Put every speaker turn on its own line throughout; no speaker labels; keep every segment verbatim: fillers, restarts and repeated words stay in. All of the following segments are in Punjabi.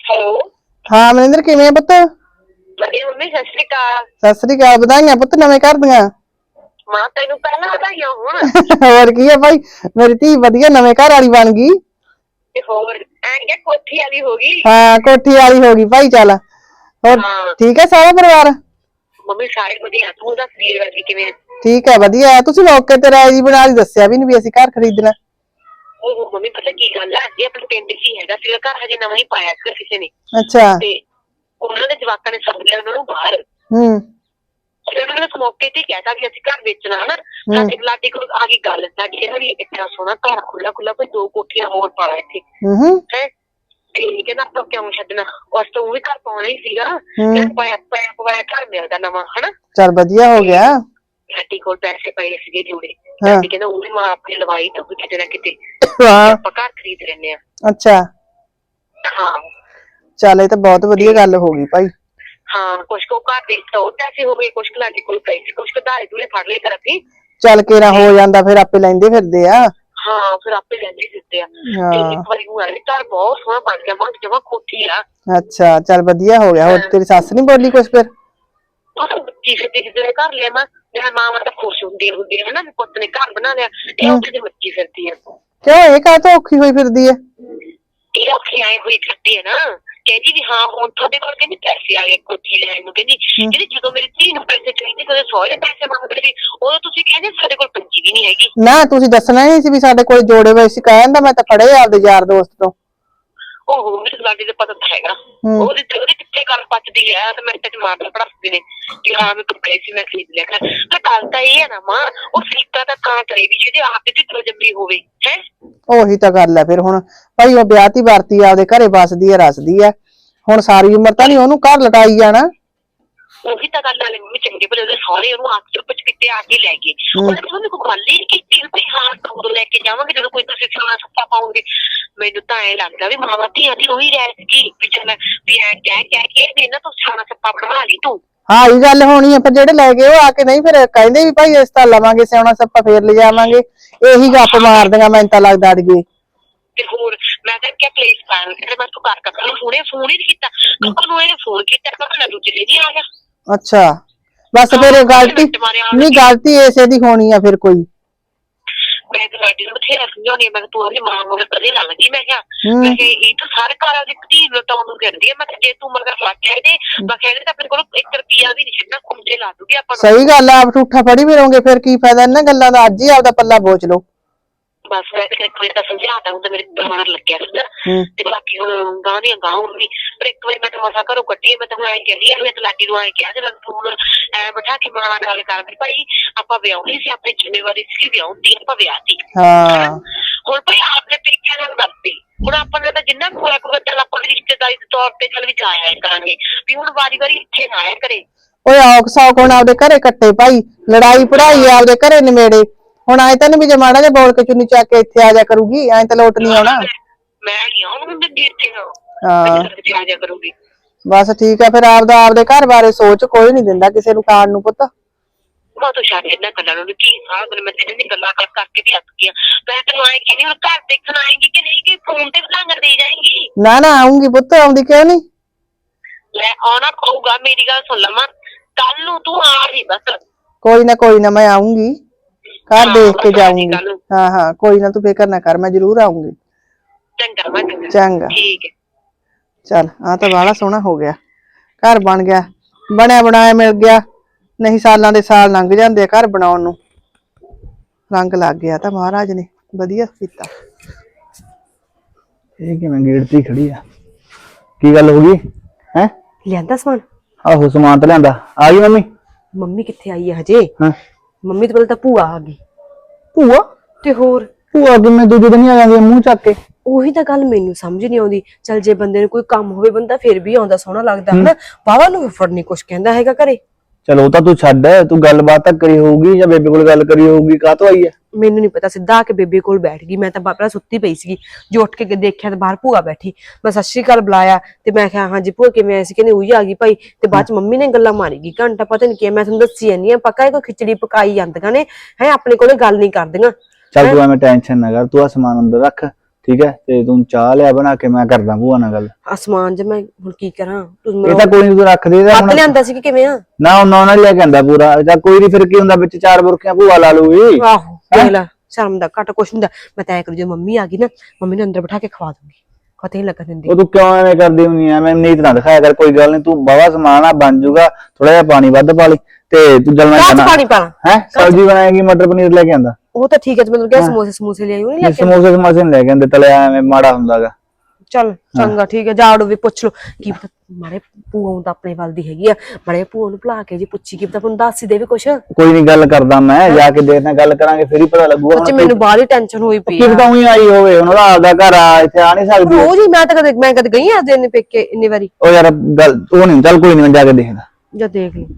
हेलो।
हाँ मनिंदर किवें पुत्त?
बढ़िया मम्मी, सत श्री अकाल।
सत श्री अकाल। बधाइयां पुत्त नवें घर दियां।
मां तेनू पहला बधाइयां होण।
होर की है भाई, मेरी धी वधिया नवें घर वाली बन गई।
ते होर ऐं क्या कोठी वाली हो गई।
हाँ कोठी वाली हो गई भाई। चल होर
हाँ
ठीक है सारा परिवार?
मम्मी सारे बढ़िया। तू दस वीर वर्गी किवें?
ठीक है वधिया है। तुसीं मौके ते राय जी बना दी, दस्सिया भी नहीं भी असीं घर खरीदना।
ਉਹ ਮੰਮੀ ਪਤਾ ਕੀ ਗੱਲ ਹੈ, ਇਹ ਆਪਣੇ ਪਿੰਡ 'ਚ ਹੀ ਹੈਗਾ ਸੀਗਾ ਘਰ, ਹਜੇ ਨਵਾਂ ਹੀ ਪਾਇਆ ਸੀਗਾ ਕਿਸੇ ਨੇ।
अच्छा।
ਤੇ ਉਹਨਾਂ ਦੇ ਜਵਾਕਾਂ ਨੇ ਸੱਦ ਲਿਆ ਉਹਨਾਂ ਨੂੰ ਬਾਹਰ।
हम्म
ਤੇ ਉਹਨਾਂ ਨੇ ਉਸ ਮੌਕੇ ਤੇ ਹੀ ਕਹਿਤਾ ਵੀ ਅਸੀਂ ਘਰ ਵੇਚਣਾ ਹਨਾ। ਸਾਡੇ ਲਾਡੀ ਕੋਲ ਆ ਗਈ ਗੱਲ, ਸਾਡੀ ਇਹਨਾਂ ਦੀ ਇੰਨਾ ਸੋਹਣਾ ਘਰ ਖੁੱਲਾ ਖੁੱਲਾ, ਕੋਈ ਦੋ ਕੋਠੀਆਂ ਹੋਰ ਪਾ ਲਾ ਇੱਥੇ
हम्म
ਹੈ। ਤੇ ਕਹਿੰਦਾ ਆਪਾਂ ਕਿਉਂ ਛੱਡਣਾ, ਉਸ ਤੋਂ ਉਹ ਵੀ ਘਰ ਪਾਉਣਾ ਹੀ ਸੀਗਾ। ਕਹਿੰਦਾ ਪਾਇਆ ਪਾਇਆ ਪਵਾਇਆ ਘਰ ਮਿਲਦਾ ਨਵਾਂ ਹਨਾ।
चल वधिया हो गया।
ਲਾਡੀ ਕੋਲ ਪੈਸੇ ਪਏ ਸੀਗੇ ਜੋੜੇ। ਲਾਡੀ ਕਹਿੰਦਾ ਉਹ ਵੀ ਮਾਂ ਆਪਣੀ ਲਵਾਈ ਤਾਂ ਕਿਤੇ ਨਾ ਕਿਤੇ
हाँ
ਆਪਾਂ ਘਰ ਖਰੀਦ ਲੈਨੇ ਆ।
अच्छा
ਹਾਂ
चल, ये तो बहुत वधिया गल हो गई भाई।
ਹਾਂ ਕੁਛ ਕੋ ਘਰ ਦੇ ਤੋਂ ਪੈਸੇ ਹੋ ਗਏ, ਕੁਛ ਲਾਡੀ ਕੋਲ ਪਏ ਸੀ, ਕੁਛ ਧਾਰੇ ਧੂਰੇ ਫੜ ਲਏ ਕਰ ਅਸੀਂ।
चल केरा हो जांदा, फिर आपे लैंदे फिरदे आ।
ਹਾਂ ਫਿਰ ਆਪੇ ਲੈਂਦੇ ਦਿੱਤੇ ਆ।
हाँ
ਤੇ ਇੱਕ ਵਾਰੀ ਉਹ ਆਇਆ ਘਰ ਬਹੁਤ ਸੋਹਣਾ ਬਣ ਗਿਆ, ਮਾਂ ਜਮਾ ਕੋਠੀ ਆ।
अच्छा चल वधिया हो गया। और तेरी सस नहीं बोली कुछ फिर?
ਕੀ ਫਿਰਦੀ ਜਿਹੜੇ ਘਰ ਲਿਆ ਮਾਂ, ਮੇਰਾ ਮਾਂ ਤਾਂ ਖੁਸ਼ ਹੁੰਦੀ ਹੁੰਦੀ ਹੈ ਨਾ ਵੀ ਪੁੱਤ ਨੇ ਘਰ ਬਣਾ ਲਿਆ। ਇਹ ਉੱਥੇ ਦੀ ਮੱਚੀ ਫਿਰਦੀ ਆ।
क्यों ये काह तो औखी हुई फिरदी है?
ਇਹ ਔਖੀ ਆਏ ਹੋਈ ਫਿਰਦੀ ਹੈ ਨਾ। ਕਹਿੰਦੀ ਵੀ ਹਾਂ ਹੁਣ ਤੁਹਾਡੇ ਕੋਲ ਕਹਿੰਦੀ ਪੈਸੇ ਆ ਗਏ ਕੋਠੀ ਲੈਣ ਨੂੰ। ਕਹਿੰਦੀ ਕਹਿੰਦੀ ਜਦੋਂ ਮੇਰੀ ਧੀ ਨੂੰ ਪੈਸੇ ਚਾਹੀਦੇ, ਕਦੇ ਸਹੁਰੇ ਪੈਸੇ ਮੰਗਦੇ ਸੀ, ਉਦੋਂ ਤੁਸੀਂ ਕਹਿੰਦੇ ਸਾਡੇ ਕੋਲ ਪੰਜੀ ਵੀ ਨਹੀਂ ਹੈਗੀ।
ना तुसीं दसना ही नहीं सी भी साडे कोल जोड़े होए सी। कहंदा मैं तां फड़े आपदे यार दोस्त तो।
ਉਹ ਮੇਰੇ ਲਾਡੀ ਦੇ ਪਤਾ ਤਾਂ ਹੈਗਾ ਉਹਦੇ ਉਹਦੇ ਕਿੱਥੇ ਗੱਲ ਪਚਦੀ ਹੈ ਤੇ ਮੈਂ ਤੇ ਮਾਰਦਾ ਪੜਾਸਦੇ ਨੇ ਕਿ ਹਾਂ ਮੈਂ ਕੱਪੜੇ ਸੀ ਮੈਂ ਖਰੀਦ ਲਿਆ ਕਰ। ਤਾਂ ਗੱਲ ਤਾਂ ਇਹ ਹੈ ਨਾ ਮਾਂ, ਉਹ ਫਰੀਕਾ ਤਾਂ ਤਾਂ ਕਰੇ ਵੀ ਜਿਹਦੇ ਆਪ ਦੀ ਢਿੱਡੋਂ ਜੰਮੀ ਹੋਵੇ ਹੈ।
ਉਹੀ ਤਾਂ ਗੱਲ ਹੈ ਫਿਰ। ਹੁਣ ਭਾਈ ਉਹ ਵਿਆਹਤੀ ਵਰਤੀ ਆਪਦੇ ਘਰੇ ਵਸਦੀ ਹੈ ਰਸਦੀ ਹੈ, ਹੁਣ ਸਾਰੀ ਉਮਰ ਤਾਂ ਨਹੀਂ ਉਹਨੂੰ ਘਰ ਲਟਾਈ ਜਾਣਾ।
ਉਹੀ ਤਾਂ ਗੱਲ ਨਾਲੇ ਮੰਮੀ ਚੰਗੇ ਭਲੇ ਉਹਦੇ ਸਹੁਰੇ ਉਹਨੂੰ ਆਪ ਚੁੱਪ ਚਪੀਤੇ ਆ ਕੇ ਲੈ ਗਏ। ਉਹਨੇ ਤਾਂ ਮੈਨੂੰ ਕੋਈ ਗੱਲ ਹੀ ਨਹੀਂ ਕੀਤੀ ਵੀ ਹਾਂ ਉਦੋਂ ਲੈ ਕੇ ਜਾਵਾਂਗੇ ਜਦੋਂ ਕੋਈ ਤੁਸੀਂ ਸੋਨਾ ਸੱਪਾ ਪਾਉਂਗੇ। ਮੈਨੂੰ ਤਾਂ ਐਂ ਲੱਗਦਾ ਵੀ ਮਾਵਾਂ ਧੀਆਂ ਦੀ ਉਹੀ ਰਹਿ ਸੀਗੀ ਵੀ ਚੱਲ ਵੀ ਐਂ ਕਹਿ ਕਹਿ ਕੇ ਵੀ ਇਹਨਾਂ ਤੋਂ ਸੋਨਾ ਸੱਪਾ ਬਣਵਾ ਲਈ ਤੂੰ।
ਹਾਂ ਇਹ ਗੱਲ ਹੋਣੀ ਹੈ। ਫਿਰ ਜਿਹੜੇ ਲੈ ਗਏ ਉਹ ਆ ਕੇ ਨਹੀਂ ਫਿਰ ਕਹਿੰਦੇ ਵੀ ਭਾਈ ਇਸ ਤਾਂ ਲਵਾਂਗੇ ਸਿਆਉਣਾ ਸੱਪਾ ਫੇਰ ਲਿਜਾਵਾਂਗੇ। ਇਹੀ ਗੱਪ ਮਾਰਦੀਆਂ ਮੈਨੂੰ ਤਾਂ ਲੱਗਦਾ ਅੜੀਏ।
ਤੇ ਹੋਰ ਮੈਂ ਤਾਂ ਕਿਹਾ ਪਲੇਸ ਪਾਣ ਕਹਿੰਦੇ ਮੈਂ ਤੂੰ ਕਰ ਕਰ ਹੁਣੇ ਫੋਨ ਹੀ ਨਹੀਂ ਕੀਤਾ। ਕੱਲ ਨੂੰ ਇਹਨੇ ਫੋਨ ਕੀਤਾ ਕਹਿੰਦਾ ਦੂਜੇ ਦਿਨ ਆ ਗਿਆ।
ਅੱਛਾ ਬਸ ਫਿਰ ਗਲਤੀ ਨਹੀਂ, ਗਲਤੀ ਇਸੇ ਦੀ ਹੋਣੀ ਆ ਫਿਰ ਕੋਈ।
ਮੈਂ ਤਾਂ ਲਾਡੀ ਨੂੰ ਬਥੇਰਾ ਸਮਝਾਉਣੀ ਆ, ਮੈਂ ਤੂੰ ਉਹਦੀ ਮਾਂ ਮਗਰ ਕਦੇ ਨਾ ਲੱਗੀ। ਮੈਂ ਕਿਹਾ ਮੈਂ ਕਿਹਾ ਇਹ ਤਾਂ ਸਾਰੇ ਘਰਾਂ ਦੀ ਧੀ ਲਟਾਉਣ ਨੂੰ ਫਿਰਦੀ ਆ। ਮੈਂ ਕਿਹਾ ਜੇ ਤੂੰ ਮਗਰ ਲੱਗ ਗਿਆ ਇਹਦੇ ਮੈਂ ਕਿਹਾ ਇਹਦੇ ਤਾਂ ਆਪਣੇ ਕੋਲ ਇੱਕ ਰੁਪਿਆ ਵੀ ਨਹੀਂ ਛੱਡਣਾ, ਖੁੰਝੇ ਲਾ ਦੂਗੀ ਆਪਾਂ ਨੂੰ।
ਸਹੀ ਗੱਲ ਆ, ਆਪ ਠੂਠਾ ਫੜੀ ਫਿਰੋਂਗੇ ਫਿਰ ਕੀ ਫਾਇਦਾ ਇਹਨਾਂ ਗੱਲਾਂ ਦਾ। ਅੱਜ ਹੀ ਆਪਦਾ ਪੱਲਾ ਬੋਚ ਲਓ।
ਬਸ ਮੈਂ ਤਾਂ ਇੱਕ ਵਾਰੀ ਤਾਂ ਸਮਝਾਤਾ ਹੁਣ ਤਾਂ ਮੇਰੇ ਦਿਮਾਗ ਲੱਗਿਆ ਸੀਗਾ। ਤੇ ਬਾਕੀ ਹੁਣ ਗਾਂ ਦੀਆਂ ਗਾਂ ਹੋਊਗੀ। ਪਰ ਇੱਕ ਵਾਰੀ ਮੈਂ ਤਾਂ ਮਸਾ ਘਰੋਂ ਕੱਢੀ, ਮੈਂ ਤਾਂ ਹੁਣ ਐਂ ਕਹਿੰਦੀ ਆ ਮੈਂ ਤਾਂ ਲਾਡੀ ਨੂੰ ਐਂ ਕਿਹਾ ਜੇ ਤੂੰ ਐਂ ਬਿਠਾ ਕੇ ਮਾਂ ਨਾਲ ਗੱਲ ਕਰ ਵੀ ਭਾਈ ਆਪਾਂ ਵਿਆਹੁਣੀ ਸੀ, ਆਪਣੀ ਜ਼ਿੰਮੇਵਾਰੀ ਸੀ ਵਿਆਹੁਣ ਆਪਾਂ ਵਿਆਹ ਤੀ।
ਹਾਂ
ਹੁਣ ਭਾਈ ਆਪਣੇ ਪੇਕਿਆਂ ਨਾਲ ਕਰਦੀ ਹੁਣ ਆਪਾਂ ਨੇ ਤਾਂ ਜਿੰਨਾ ਕੋਲ ਕੋਈ ਚੱਲ ਆਪਾਂ ਰਿਸ਼ਤੇਦਾਰੀ ਦੇ ਤੌਰ ਤੇ ਚੱਲ ਵੀ ਜਾ ਆਇਆ ਕਰਾਂਗੇ ਵੀ ਹੁਣ ਵਾਰੀ ਵਾਰੀ ਇੱਥੇ ਨਾ ਆਇਆ ਕਰੇ।
ਓਏ ਔਖ ਸੌਖ ਹੁਣ ਆਪਦੇ ਘਰੇ ਕੱਟੇ ਭਾਈ, ਲੜਾਈ ਪੜਾਈ ਆਪਦੇ ਘਰੇ ਨਿਮੇੜੇ। ਹੁਣ ਆਏ ਤਾਂ ਨੀ ਵੀ ਜੇ ਮਾੜਾ ਜਿਹਾ ਬੋਲ ਕੇ ਚੁੰਨੀ ਚੱਕ ਕੇ ਇੱਥੇ ਆ ਜਾ ਕਰੂਗੀ, ਐਂ ਤਾਂ ਲੋਟ ਨੀ ਆਉਣਾ।
ਮੈਂ ਨਹੀਂ ਆਉਣ ਦਿੰਦੀ ਇੱਥੇ
ਹਾਂ
ਆ ਜਾ ਕਰੂਗੀ।
ਬਸ ਠੀਕ ਹੈ ਫਿਰ ਆਪਦਾ ਆਪਦੇ ਘਰ ਬਾਰੇ ਸੋਚ, ਕੋਈ ਨੀ ਦਿੰਦਾ ਕਿਸੇ ਨੂੰ ਖਾਣ ਨੂੰ ਪੁੱਤ।
ਮੈਂ ਤਾਂ ਛੱਡ ਇਹਨਾਂ ਗੱਲਾਂ ਨੂੰ ਕੀ ਸਾਰਾ ਦਿਨ ਮੈਂ ਤੇਰੇ ਨਾਲ ਗੱਲਾਂ ਕਰ ਕਰਕੇ ਵੀ ਅੱਕ ਗਿਆ। ਮੈਂ ਤੈਨੂੰ ਆਏ ਕਹਿੰਦੀ ਹੁਣ ਘਰ ਦੇਖਣ ਆਏਗੀ ਕਿ ਨਹੀਂ, ਕਿ ਫੋਨ ਤੇ ਵਧਾਂਗਰ ਦੇ ਜਾਏਗੀ।
ਨਾ ਨਾ ਆਉਂਗੀ ਪੁੱਤ, ਆਉਂਦੀ ਕਿਉਂ ਨੀ।
ਲੈ ਆਉਣਾ ਪਊਗਾ, ਮੇਰੀ ਗੱਲ ਸੁਣ ਲਵਾਂ ਕੱਲ ਨੂੰ ਤੂੰ ਆ ਰਹੀ ਬਸ।
ਕੋਈ ਨਾ ਕੋਈ ਨਾ ਮੈਂ ਆਉਂਗੀ, ਘਰ ਦੇਖ ਕੇ ਜਾਊਂਗੀ। ਹਾਂ ਹਾਂ ਕੋਈ ਨਾ ਤੂੰ ਫਿਕਰ ਨਾ ਕਰ, ਮੈਂ ਜ਼ਰੂਰ ਆਉਂਗੀ।
ਚੰਗਾ ਮੈਂ
ਚੰਗਾ
ਠੀਕ ਹੈ।
ਚੱਲ ਆ ਤਾਂ ਬਾਹਲਾ ਸੋਹਣਾ ਹੋ ਗਿਆ, ਘਰ ਬਣ ਗਿਆ, ਬਣਿਆ ਬਣਾਇਆ ਮਿਲ ਗਿਆ। ਨਹੀਂ ਸਾਲਾਂ ਦੇ ਸਾਲ ਲੰਘ ਜਾਂਦੇ ਆ ਘਰ ਬਣਾਉਣ ਨੂੰ। ਰੰਗ ਲੱਗ ਗਿਆ ਤਾਂ ਮਹਾਰਾਜ ਨੇ ਵਧੀਆ ਕੀਤਾ।
ਇਹ ਕਿਵੇਂ ਗੇਟ ਤੇ ਖੜੀ ਆ? ਕੀ ਗੱਲ ਹੋ ਗਈ ਹੈ?
ਲਿਆਂਦਾ ਸਮਾਨ?
ਆਹੋ ਸਮਾਨ ਤਾਂ ਲਿਆਂਦਾ। ਆ ਗਈ ਮੰਮੀ?
ਮੰਮੀ ਕਿੱਥੇ ਆਈ ਹੈ ਹਜੇ?
ਹਾਂ
ਮੰਮੀ ਤੋਂ ਪਹਿਲਾਂ ਤਾਂ ਭੂਆ ਆ ਗਈ।
ਭੂਆ?
ਤੇ ਹੋਰ
ਭੂਆ ਕਿਵੇਂ ਦੂਜੇ ਦਿਨ ਹੀ ਆ ਜਾਂਦੀ ਮੂੰਹ ਚੱਕ ਕੇ?
ਉਹੀ ਤਾਂ ਗੱਲ ਮੈਨੂੰ ਸਮਝ ਨਹੀਂ ਆਉਂਦੀ। ਚੱਲ ਜੇ ਬੰਦੇ ਨੂੰ ਕੋਈ ਕੰਮ ਹੋਵੇ ਬੰਦਾ ਫੇਰ ਵੀ ਆਉਂਦਾ, ਸੋਹਣਾ ਲੱਗਦਾ ਹਨਾ। ਬਾਵਾ ਨੂੰ ਫੜ ਨਹੀਂ ਕੁਛ ਕਹਿੰਦਾ ਹੈਗਾ ਘਰੇ।
ਚਲੋ ਉਹ ਤਾਂ ਤੂੰ ਛੱਡ, ਤੂੰ ਗੱਲਬਾਤ ਤਾਂ ਕਰੀ ਹੋਊਗੀ ਜਾਂ ਬੇਬੇ ਕੋਲ ਗੱਲ ਕਰੀ ਹੋਊਗੀ, ਕਾਹਤੋਂ ਆਈ ਹੈ?
ਮੈਨੂੰ ਨਹੀਂ ਪਤਾ, ਸਿੱਧਾ ਆ ਕੇ ਬੇਬੇ ਕੋਲ ਬੈਠ ਗਈ। ਮੈਂ ਤਾਂ ਪਹਿਲਾਂ ਸੁੱਤੀ ਪਈ ਸੀਗੀ, ਜੋ ਉੱਠ ਕੇ ਦੇਖਿਆ ਤਾਂ ਬਾਹਰ ਭੂਆ ਬੈਠੀ। ਮੈਂ ਸਤਿ ਸ਼੍ਰੀ ਅਕਾਲ ਬੁਲਾਇਆ ਤੇ ਮੈਂ ਕਿਹਾ ਹਾਂਜੀ ਭੂਆ ਕਿਵੇਂ ਆਏ ਸੀ? ਕਹਿੰਦੇ ਉਹੀ ਆ ਗਈ ਭਾਈ। ਤੇ ਬਾਅਦ ਚ ਮੰਮੀ ਨੇ ਗੱਲਾਂ ਮਾਰੀਗੀ ਘੰਟਾ, ਪਤਾ ਨੀ ਕੀ। ਮੈਂ ਤੁਹਾਨੂੰ ਦੱਸੀ ਜਾਂਦੀ ਆ, ਪੱਕਾ ਇਹ ਕੋਈ ਖਿਚੜੀ ਪਕਾਈ ਜਾਂਦੀਆਂ ਨੇ ਹੈ, ਆਪਣੇ ਕੋਲੇ ਗੱਲ ਨਹੀਂ ਕਰਦੀਆਂ।
ਚੱਲ ਤੂੰ ਐਵੇਂ ਟੈਨਸ਼ਨ ਨਾ ਕਰ, ਤੂੰ ਆ ਸਮਾਨ ਅੰਦਰ ਰੱਖ, ਠੀਕ ਹੈ ਤੇ ਤੂੰ ਚਾਹ ਲਿਆ ਬਣਾ ਕੇ, ਮੈਂ ਕਰਦਾ ਭੂਆ ਨਾਲ ਗੱਲ।
ਅਸਮਾਨ ਜੇ ਮੈਂ ਹੁਣ ਕੀ ਕਰਾਂ, ਤੂੰ
ਇਹ ਤਾਂ ਕੋਈ ਨੀ, ਤੂੰ ਰੱਖ ਦੇ ਇਹਦਾ
ਹੱਥ
ਹੁਣ।
ਲਿਆਂਦਾ ਸੀ ਕਿ ਕਿਵੇਂ ਆ?
ਨਾ ਉਹਨਾਂ ਨਾਲ ਲੈ ਕੇ ਆਂਦਾ ਪੂਰਾ, ਜਾਂ ਕੋਈ ਨਹੀਂ ਫਿਰ ਕੀ ਹੁੰਦਾ, ਵਿੱਚ ਚਾਰ ਬੁਰਕੀਆਂ ਭੂਆ ਲਾ ਲੂਗੀ।
ਆਹੋ ਦੇਖ ਲੈ, ਸ਼ਰਮ ਦਾ ਘੱਟ ਕੁਛ ਹੁੰਦਾ। ਮੈਂ ਤਾਂ ਐ ਕਰੂ, ਜੇ ਮੰਮੀ ਆ ਗਈ ਨਾ, ਮੰਮੀ ਨੂੰ ਅੰਦਰ ਬਿਠਾ ਕੇ ਖਵਾ ਦੂੰਗੀ, ਪਤਾ ਹੀ ਲੱਗਣ ਦਿੰਦੀ।
ਉਹ ਤੂੰ ਕਿਉਂ ਐਵੇਂ ਕਰਦੀ ਹੁੰਦੀ ਆ? ਮੈਂ ਨੀਤ ਨਾ ਦਿਖਾਇਆ ਕਰ, ਕੋਈ ਗੱਲ ਨਹੀਂ, ਤੂੰ ਬਾਵਾ ਸਮਾਨ ਆ ਬਣ ਜੂਗਾ, ਥੋੜਾ ਜਿਹਾ ਪਾਣੀ ਵੱਧ ਪਾ ਲਈ ਤੇ ਤੂੰ ਜਲਣਾ
ਕਾਹ ਚ ਪਾਣੀ ਪਾਣਾ
ਹੈ। ਸਬਜ਼ੀ ਬਣਾਏਗੀ, ਮਟਰ ਪਨੀਰ ਲੈ ਕੇ ਆਂਦਾ।
ਉਹ ਤਾਂ ਠੀਕ ਹੈ, ਤੇ ਮੈਨੂੰ ਕਿਹਾ ਸਮੋਸੇ ਸਮੂਸੇ ਲਿਆਈ, ਉਹ ਨਹੀਂ ਲੈ ਕੇ
ਸਮੋਸੇ ਸਮੋਸੇ ਨੀ ਲੈ ਕੇ ਆਂਦੇ, ਤਲਿਆ ਐਵੇਂ ਮਾੜਾ ਹੁੰਦਾਗਾ।
ਚੱਲ ਚੰਗਾ ਠੀਕ ਹੈ, ਜਾੜੋ ਵੀ ਪੁੱਛ ਲੋ ਕੀ ਪਤਾ ਮਾਰੇ ਭੂਆ ਤਾਂ ਆਪਣੇ ਵੱਲ ਦੀ ਹੈਗੀ ਆ, ਮਾਰੇ ਭੂਆ ਨੂੰ ਭੁਲਾ ਕੇ ਜੀ ਪੁੱਛੀ ਕੀ ਪਤਾ ਤੁਹਾਨੂੰ ਦੱਸ ਹੀ ਦੇਵੇ ਕੁਛ।
ਕੋਈ ਨਹੀਂ, ਗੱਲ ਕਰਦਾ ਮੈਂ, ਜਾ ਕੇ ਦੇਖਦਾ, ਗੱਲ ਕਰਾਂਗੇ ਫਿਰ ਹੀ ਪਤਾ ਲੱਗੂਗਾ।
ਸੱਚੀ ਮੈਨੂੰ ਬਾਹਲੀ ਟੈਨਸ਼ਨ ਹੋਈ ਪਈ
ਕੀ
ਆ।
ਪਤਾ ਉਹੀ ਆਈ ਹੋਵੇ, ਉਹਨਾਂ ਦਾ ਆਪਦਾ ਘਰ ਆ, ਇੱਥੇ ਆ ਨਹੀਂ ਸਕਦੀ।
ਰੋਜ਼ ਹੀ ਮੈਂ ਤਾਂ ਕਦੇ ਮੈਂ ਕਦੇ ਗਈ ਆ ਦਿਨ ਪੇਕੇ ਇੰਨੀ ਵਾਰੀ।
ਉਹ ਯਾਰ ਗੱਲ ਉਹ ਨਹੀਂ, ਚੱਲ ਕੋਈ ਨਹੀਂ, ਮੈਂ ਜਾ ਕੇ ਦੇਖਦਾ।
ਜਾ ਦੇਖ ਲਈ।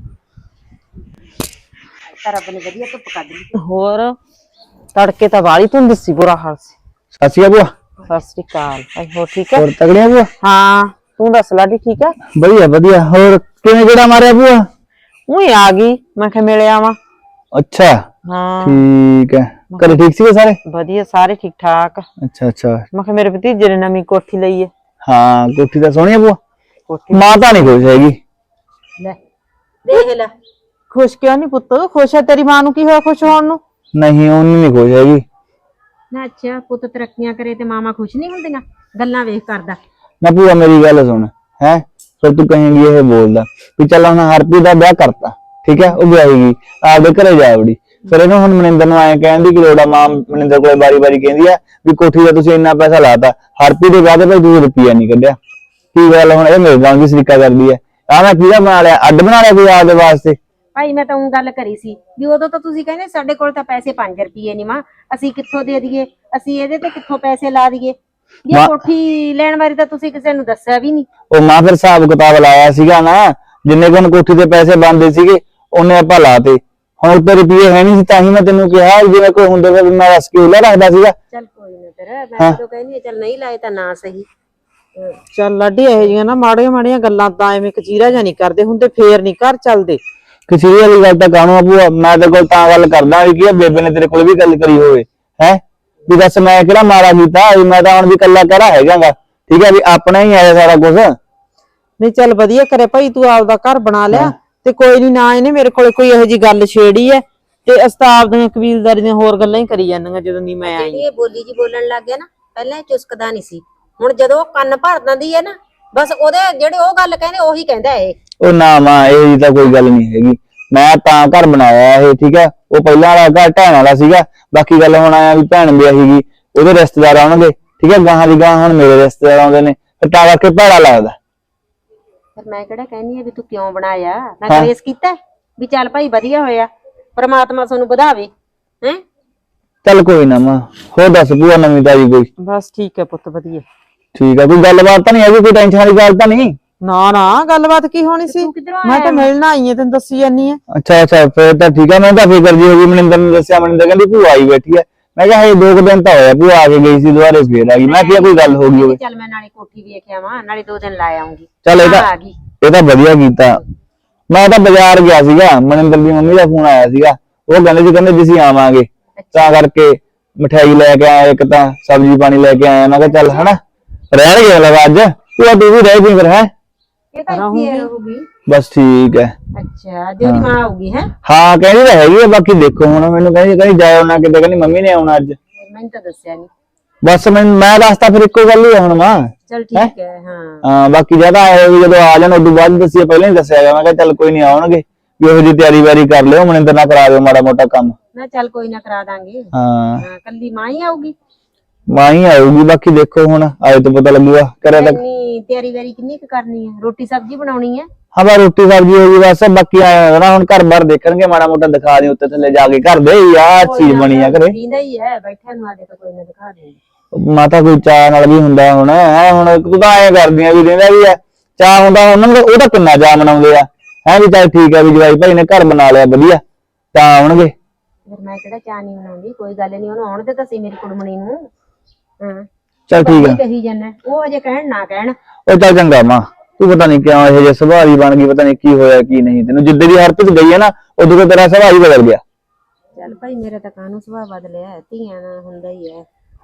ਰੱਬ ਨੇ ਵਧੀਆ ਧੁੱਪ ਕੱਢ ਲਈ।
ਹੋਰ ਤੜਕੇ ਤਾਂ ਵਾਲੀ ਧੁੰਦ ਸੀ, ਬੁਰਾ ਹਾਲ ਸੀ।
ਸਤਿ ਸ਼੍ਰੀ ਅਕਾਲ ਭੂਆ।
ਸਤਿ ਸ੍ਰੀ ਅਕਾਲ ਭਾਈ, ਹੋਰ ਠੀਕ ਹੈ?
ਹੋਰ ਤਗੜੀਆਂ ਭੂਆ?
ਹਾਂ ਤੂੰ ਦੱਸ ਲਾਡੀ ਠੀਕ ਹੈ?
ਵਧੀਆ ਵਧੀਆ। ਹੋਰ ਕਿਵੇਂ ਕਿਹੜਾ ਮਾਰਿਆ ਭੂਆ?
ਉਹੀ ਆ ਗਈ, ਮੈਂ ਕਿਹਾ ਮਿਲ ਆਵਾਂ।
ਅੱਛਾ
ਹਾਂ
ਠੀਕ ਹੈ, ਘਰੇ ਠੀਕ ਸੀਗੇ ਸਾਰੇ?
ਵਧੀਆ, ਸਾਰੇ ਠੀਕ ਠਾਕ।
ਅੱਛਾ ਅੱਛਾ।
ਮੈਂ ਕਿਹਾ ਮੇਰੇ ਭਤੀਜੇ ਨੇ ਨਵੀਂ ਕੋਠੀ ਲਈ ਹੈ।
ਹਾਂ ਕੋਠੀ ਤਾਂ ਸੋਹਣੀ ਆ ਭੂਆ।
ਕੋਠੀ
ਮਾਂ ਤਾਂ ਨਹੀਂ ਖੁਸ਼ ਹੈਗੀ।
ਲੈ ਦੇਖ ਲੈ,
ਖੁਸ਼ ਕਿਉਂ ਨਹੀਂ ਪੁੱਤ? ਖੁਸ਼ ਹੈ, ਤੇਰੀ ਮਾਂ ਨੂੰ ਕੀ ਹੋਇਆ ਖੁਸ਼ ਹੋਣ ਨੂੰ?
ਨਹੀਂ ਉਹਨੂੰ ਨਹੀਂ ਖੁਸ਼ ਹੈਗੀ।
ਨਾ ਅੱਛਾ ਪੁੱਤ ਤਰੱਕੀਆਂ ਕਰੇ ਤੇ ਮਾਮਾ ਖੁਸ਼ ਨਹੀਂ ਹੁੰਦੀਆਂ? ਗੱਲਾਂ ਵੇਖ ਕਰਦਾ।
ਨਾ ਭੂਆ ਮੇਰੀ ਗੱਲ ਸੁਣ ਹੈ, ਫਿਰ ਤੂੰ ਕਹੇਂਗੀ ਇਹ ਬੋਲਦਾ ਵੀ ਚੱਲ ਹੁਣ ਹਰਪ੍ਰੀਤ ਦਾ ਵਿਆਹ ਕਰਤਾ, ਠੀਕ ਹੈ, ਉਹ ਵਿਆਹੇਗੀ ਆਪਦੇ ਘਰੇ ਜਾ ਵੜੀ, ਫਿਰ ਇਹਨੂੰ ਹੁਣ ਮਨਿੰਦਰ ਨੂੰ ਐਂ ਕਹਿਣ ਦੀ ਕਿ ਲੋੜਾ। ਮਾਂ ਮਨਿੰਦਰ ਕੋਲੇ ਵਾਰੀ ਵਾਰੀ ਕਹਿੰਦੀ ਆ ਵੀ ਕੋਠੀ ਦਾ ਤੁਸੀਂ ਇੰਨਾ ਪੈਸਾ ਲਾਤਾ, ਹਰਪ੍ਰੀਤ ਦੇ ਵਿਆਹ ਤੇ ਭਾਈ ਤੁਸੀਂ ਰੁਪਈਆ ਨਹੀਂ ਕੱਢਿਆ। ਕੀ ਗੱਲ ਹੁਣ ਇਹ ਮੇਰੇ ਨਾਲ ਵੀ ਸਰੀਕਾ ਕਰਦੀ ਹੈ? ਆਹ ਮੈਂ ਕਿਹਦਾ ਬਣਾ ਲਿਆ, ਅੱਡ ਬਣਾ ਲਿਆ ਕੋਈ ਆਪਦੇ ਵਾਸਤੇ?
ਭਾਈ ਮੈਂ ਤਾਂ ਉਹ ਗੱਲ ਕਰੀ ਸੀ ਵੀ ਉਦੋਂ ਤਾਂ ਤੁਸੀਂ ਕਹਿੰਦੇ ਸਾਡੇ ਕੋਲ ਤਾਂ ਪੈਸੇ ਪੰਜ ਰੁਪਏ ਨਹੀਂ, ਮਾਂ ਅਸੀਂ ਕਿੱਥੋਂ ਦੇ ਦਈਏ, ਅਸੀਂ ਇਹਦੇ ਤੇ ਕਿੱਥੋਂ ਪੈਸੇ ਲਾ ਦਈਏ। ਇਹ ਕੋਠੀ ਲੈਣ ਬਾਰੇ ਤਾਂ ਤੁਸੀਂ ਕਿਸੇ ਨੂੰ ਦੱਸਿਆ ਵੀ ਨਹੀਂ।
ਉਹ ਮਾਂ ਫਿਰ ਹਿਸਾਬ ਕਿਤਾਬ ਲਾਇਆ ਸੀਗਾ ਨਾ, ਜਿੰਨੇ ਕੋਲ ਕੋਠੀ ਦੇ ਪੈਸੇ ਬਣਦੇ ਸੀਗੇ ਉਹਨੇ ਆਪਾਂ ਲਾਤੇ। ਹੁਣ ਉੱਤੇ ਰੁਪਏ ਹੈ ਨਹੀਂ ਸੀ, ਤਾਂ ਹੀ ਮੈਂ ਤੈਨੂੰ ਕਿਹਾ ਜਿਵੇਂ ਕੋਈ ਹੁੰਦੇ ਫਿਰ ਮੈਂ ਰਸ ਕੇ ਰੱਖਦਾ ਸੀਗਾ।
ਚੱਲ ਕੋਈ ਨਾ ਤੇਰਾ, ਮੈਂ ਤਾਂ ਕਹਿੰਦੀ ਚੱਲ ਨਹੀਂ ਲਾਏ ਤਾਂ ਨਾ ਸਹੀ।
ਚੱਲ ਲਾਡੀ, ਇਹੋ ਜਿਹੀਆਂ ਨਾ ਮਾੜੀਆਂ ਮਾੜੀਆਂ ਗੱਲਾਂ ਤਾਂ ਐਵੇਂ ਕਚੀਰਾ ਜਾਂ ਨਹੀਂ ਕਰਦੇ ਹੁੰਦੇ, ਫੇਰ ਨਹੀਂ ਘਰ ਚੱਲਦੇ।
ਕਿਸੇ ਵਾਲੀ ਗੱਲ ਤਾਂ ਕਾਹਨੂੰ ਆ ਭੂਆ, ਮੈਂ ਤੇਰੇ ਕੋਲ ਤਾਂ ਗੱਲ ਕਰਦਾ ਵੀ ਕੀ ਆ, ਬੇਬੇ ਨੇ ਤੇਰੇ ਕੋਲ ਵੀ ਗੱਲ ਕਰੀ ਹੋਵੇ ਹੈ ਵੀ ਦੱਸ ਮੈਂ ਕਿਹੜਾ ਮਾਰਾ ਕੀਤਾ, ਮੈਂ ਤਾਂ ਹੁਣ ਵੀ ਕੱਲਾ ਕਹਿਰਾ ਹੈਗਾਗਾ, ਠੀਕ ਹੈ, ਵੀ ਆਪਣਾ ਹੀ ਆਇਆ ਸਾਰਾ ਕੁਝ।
ਨਹੀਂ ਚੱਲ ਵਧੀਆ ਕਰੇ ਭਾਈ, ਤੂੰ ਆਪਦਾ ਘਰ ਬਣਾ ਲਿਆ ਤੇ ਕੋਈ ਨਹੀਂ, ਨਾ ਇਹਨੇ ਮੇਰੇ ਕੋਲੇ ਕੋਈ ਇਹੋ ਜਿਹੀ ਗੱਲ ਛੇੜੀ ਐ ਤੇ ਅਸਤਾਬ ਦੀਆਂ ਕਬੀਲਦਾਰੀ ਦੀਆਂ ਹੋਰ ਗੱਲਾਂ ਹੀ ਕਰੀ ਜਾਂਦੀਆਂ ਜਦੋਂ ਦੀ ਮੈਂ ਆਈ।
ਜਿਹੜੀ ਇਹ ਬੋਲੀ ਜੀ ਬੋਲਣ ਲੱਗ ਗਿਆ ਨਾ, ਪਹਿਲਾਂ ਇਹ ਚੁਸਕਦਾ ਨਹੀਂ ਸੀ, ਹੁਣ ਜਦੋਂ ਉਹ ਕੰਨ ਭਰ ਦਿੰਦੀ ਹੈ ਨਾ, ਬਸ ਉਹਦੇ ਜਿਹੜੇ ਉਹ ਗੱਲ ਕਹਿੰਦੇ ਉਹੀ ਕਹਿੰਦਾ ਇਹ।
ਉਹ ਨਾ ਮਾਂ ਇਹ ਜੀ ਤਾਂ ਕੋਈ ਗੱਲ ਨਹੀਂ ਹੈਗੀ, ਮੈਂ ਤਾਂ ਘਰ ਬਣਾਇਆ ਇਹ, ਠੀਕ ਹੈ, ਉਹ ਪਹਿਲਾਂ ਵਾਲਾ ਘਰ ਢਹਿਣ ਵਾਲਾ ਸੀਗਾ। ਬਾਕੀ ਗੱਲ ਹੁਣ ਆਇਆ ਵੀ ਭੈਣ ਵਿਆਹੀ ਗਈ, ਉਹਦੇ ਰਿਸ਼ਤੇਦਾਰ ਆਉਣਗੇ, ਠੀਕ ਹੈ, ਗਾਹਾਂ ਦੀ ਗਾਹਾਂ ਹੁਣ ਮੇਰੇ ਰਿਸ਼ਤੇਦਾਰ ਆਉਂਦੇ ਨੇ, ਫਿਰ ਤਾਂ ਕਰਕੇ ਭੈੜਾ ਲੱਗਦਾ।
ਪਰ ਮੈਂ ਕਿਹੜਾ ਕਹਿੰਦੀ ਆ ਵੀ ਤੂੰ ਕਿਉਂ ਬਣਾਇਆ, ਮੈਂ ਕਲੇਸ਼ ਕੀਤਾ ਵੀ ਚੱਲ ਭਾਈ ਵਧੀਆ ਹੋਇਆ, ਪ੍ਰਮਾਤਮਾ ਤੁਹਾਨੂੰ ਵਧਾਵੇ ਹੈ।
ਚੱਲ ਕੋਈ ਨਾ ਮਾਂ, ਹੋਰ ਦੱਸ ਭੂਆ ਨਵੀਂ ਤਾਜੀ ਕੋਈ?
ਬਸ ਠੀਕ ਹੈ ਪੁੱਤ, ਵਧੀਆ
ਠੀਕ ਹੈ, ਕੋਈ ਗੱਲਬਾਤ ਤਾਂ ਨਹੀਂ ਹੈਗੀ, ਕੋਈ ਟੈਨਸ਼ਨ ਵਾਲੀ ਗੱਲ ਤਾਂ ਨਹੀਂ?
ਨਾ ਨਾ ਗੱਲਬਾਤ ਕੀ ਹੋਣੀ ਸੀ,
ਤੂੰ ਕਿੱਧਰੋਂ
ਮੈਂ ਤਾਂ ਮਿਲਣ ਆਈ ਆ, ਤੈਨੂੰ ਦੱਸੀ ਜਾਨੀ ਆ।
ਅੱਛਾ ਅੱਛਾ, ਫਿਰ ਤਾਂ ਠੀਕ ਹੈ। ਮੈਂ ਤਾਂ ਫਿਕਰ ਜੀ ਹੋ ਗਈ, ਮਨਿੰਦਰ ਨੂੰ ਦੱਸਿਆ, ਮਨਿੰਦਰ ਕਹਿੰਦੀ ਭੂਆ ਆਈ ਬੈਠੀ ਹੈ। ਮੈਂ ਕਿਹਾ ਹੇ ਦੋ ਕੁ ਦਿਨ ਤਾਂ ਹੋਇਆ, ਭੂਆ ਆ ਕੇ ਗਈ ਸੀ, ਦੁਬਾਰੇ ਫੇਰ ਆ ਗਈ। ਮੈਂ ਕਿਹਾ ਕੋਈ ਗੱਲ ਹੋ ਗਈ ਹੋਵੇ।
ਚੱਲ ਮੈਂ ਨਾਲੇ ਕੋਠੀ ਵੇਖ ਆਵਾਂ, ਨਾਲੇ ਦੋ ਦਿਨ ਲਾ ਆਉਂਗੀ।
ਚੱਲ ਇਹ ਤਾਂ
ਆ ਗਈ।
ਇਹ ਤਾਂ ਵਧੀਆ ਕੀਤਾ। ਮੈਂ ਤਾਂ ਬਾਜ਼ਾਰ ਗਿਆ ਸੀਗਾ, ਮਨਿੰਦਰ ਦੀ ਮੰਮੀ ਦਾ ਫੋਨ ਆਇਆ ਸੀਗਾ, ਉਹ ਕਹਿੰਦੇ ਸੀ ਕਹਿੰਦੇ ਅਸੀਂ ਆਵਾਂਗੇ, ਤਾਂ ਕਰਕੇ ਮਠਿਆਈ ਲੈ ਕੇ ਆਇਆ, ਇੱਕ ਤਾਂ ਸਬਜ਼ੀ ਪਾਣੀ ਲੈ ਕੇ ਆਇਆ। ਮੈਂ ਕਿਹਾ ਚੱਲ ਹਨਾ ਰਹਿਣ ਗਿਆ ਲਗਾ ਅੱਜ, ਭੂਆ ਤੂੰ ਵੀ ਰਹਿ ਗਈ ਫਿਰ? ਹੈ
ਇਹ ਤਾਂ ਇੱਥੇ ਰਹੂਗੀ।
ਬਸ ਠੀਕ ਹੈ।
ਅੱਛਾ ਅੱਜ ਉਹਦੀ ਮਾਂ ਆਊਗੀ ਹੈ?
ਹਾਂ ਕਹਿੰਦੀ ਤਾਂ ਹੈਗੀ ਆ, ਬਾਕੀ ਦੇਖੋ ਹੁਣ, ਮੈਨੂੰ ਕਹਿੰਦੀ ਕਹਿੰਦੀ ਜਾਇਓ ਨਾ ਕਿਤੇ, ਕਹਿੰਦੀ ਮੰਮੀ ਨੇ ਆਉਣਾ ਅੱਜ।
ਮੈਨੂੰ ਤਾਂ ਦੱਸਿਆ ਨਹੀਂ।
ਬਸ ਮੈਂ ਮੈਂ ਦੱਸਤਾ ਫਿਰ ਇੱਕੋ ਗੱਲ ਹੀ ਆ ਹੁਣ ਮਾਂ।
ਚੱਲ ਠੀਕ ਹੈ। ਹਾਂ
ਹਾਂ ਬਾਕੀ ਜਿਆਦਾ ਆਏ ਵੀ ਜਦੋਂ ਆ ਜਾਣ ਉਦੋਂ ਬਾਅਦ ਦੱਸਿਆ, ਪਹਿਲਾਂ ਹੀ ਦੱਸਿਆ ਗਿਆ। ਮੈਂ ਕਿਹਾ ਚੱਲ ਕੋਈ ਨਹੀਂ ਆਉਣਗੇ, ਵੀ ਉਹੋ ਜਿਹੀ ਤਿਆਰੀ ਵਾਰੀ ਕਰ ਲਿਓ, ਮਨਿੰਦਰ ਨਾਲ ਕਰਾ ਦਿਓ ਮਾੜਾ ਮੋਟਾ ਕੰਮ।
ਨਾ ਚੱਲ ਕੋਈ ਨਾ ਕਰਾ ਦਾਂਗੇ।
ਹਾਂ
ਹਾਂ ਕੱਲੀ ਮਾਂ ਹੀ ਆਊਗੀ?
ਮਾਂ ਹੀ ਆਊਗੀ, ਬਾਕੀ ਦੇਖੋ ਹੁਣ ਆਏ ਤੋਂ ਪਤਾ ਲੱਗੂਗਾ। ਕਰਿਆ ਤਾਂ
ਇੰਨੀ ਤਿਆਰੀ ਵਾਰੀ ਕਿੰਨੀ ਕੁ ਕਰਨੀ ਹੈ? ਰੋਟੀ ਸਬਜ਼ੀ ਬਣਾਉਣੀ ਹੈ?
ਹਾਂ ਬਾ ਰੋਟੀ ਸਬਜ਼ੀ ਹੋ ਗਈ ਬਸ, ਬਾਕੀ ਆਇਆ ਨਾ ਹੁਣ ਘਰ ਬਾਰ ਦੇਖਣਗੇ, ਮਾੜਾ ਮੋਟਾ ਦਿਖਾ ਦੇ ਉੱਤੇ ਥੱਲੇ ਜਾ ਕੇ ਘਰ ਦੇ ਆਹ ਚੀਜ਼ ਬਣੀ ਆ ਘਰੇ।
ਦੀਂਦਾ ਹੀ ਹੈ ਬੈਠਿਆਂ ਨੂੰ, ਆਦੇ ਤਾਂ ਕੋਈ ਨਾ ਦਿਖਾ ਦੇ।
ਮਾਤਾ ਕੋਈ ਚਾਹ ਨਾਲ ਵੀ ਹੁੰਦਾ ਹੁਣ ਹੈ, ਹੁਣ ਤੂੰ ਤਾਂ ਐਂ ਕਰਦੀਆਂ ਵੀ ਰਹਿੰਦਾ ਵੀ ਆ ਚਾਹ ਹੁੰਦਾ ਉਹਨਾਂ ਨੂੰ, ਉਹ ਤਾਂ ਕਿੰਨਾ ਚਾਹ ਮਨਾਉਂਦੇ ਆ ਹੈ ਵੀ ਚੱਲ ਠੀਕ ਹੈ ਵੀ ਜਵਾਈ ਭਾਈ ਨੇ ਘਰ ਬਣਾ ਲਿਆ ਵਧੀਆ, ਤਾਂ ਆਉਣਗੇ।
ਫਿਰ ਮੈਂ ਕਿਹੜਾ ਚਾਹ ਨਹੀਂ ਬਣਾਉਂਦੀ, ਕੋਈ ਗੱਲ ਨਹੀਂ, ਉਹਨੂੰ ਆਉਣ ਦੇ ਤਾਂ ਸੀ ਮੇਰੀ ਕੁੜਮਣੀ ਨੂੰ। ਹਾਂ
ਚੱਲ ਠੀਕ ਆ।
ਕਹੀ ਜਾਂਦਾ ਉਹ ਅਜੇ ਕਹਿਣ ਨਾ ਕਹਿਣ।
ਉਹ ਚੱਲ ਚੰਗਾ ਮਾਂ, ਤੂੰ ਪਤਾ ਨਹੀਂ ਕਿਉਂ ਇਹੋ ਜਿਹੇ ਸੁਭਾਅ ਦੀ ਬਣ ਗਈ, ਪਤਾ ਨਹੀਂ ਕੀ ਹੋਇਆ ਕੀ ਨਹੀਂ ਤੈਨੂੰ। ਜਿੱਦੇ ਦੀ ਹਰਪ੍ਰੀਤ ਗਈ ਹੈ ਨਾ ਉਦੋਂ ਤੋਂ ਤੇਰਾ ਸੁਭਾਅ ਹੀ ਬਦਲ ਗਿਆ।
ਚੱਲ ਭਾਈ ਮੇਰਾ ਤਾਂ ਕਾਹਨੂੰ ਸੁਭਾਅ ਬਦਲਿਆ, ਧੀਆਂ ਨਾਲ ਹੁੰਦਾ ਹੀ ਹੈ।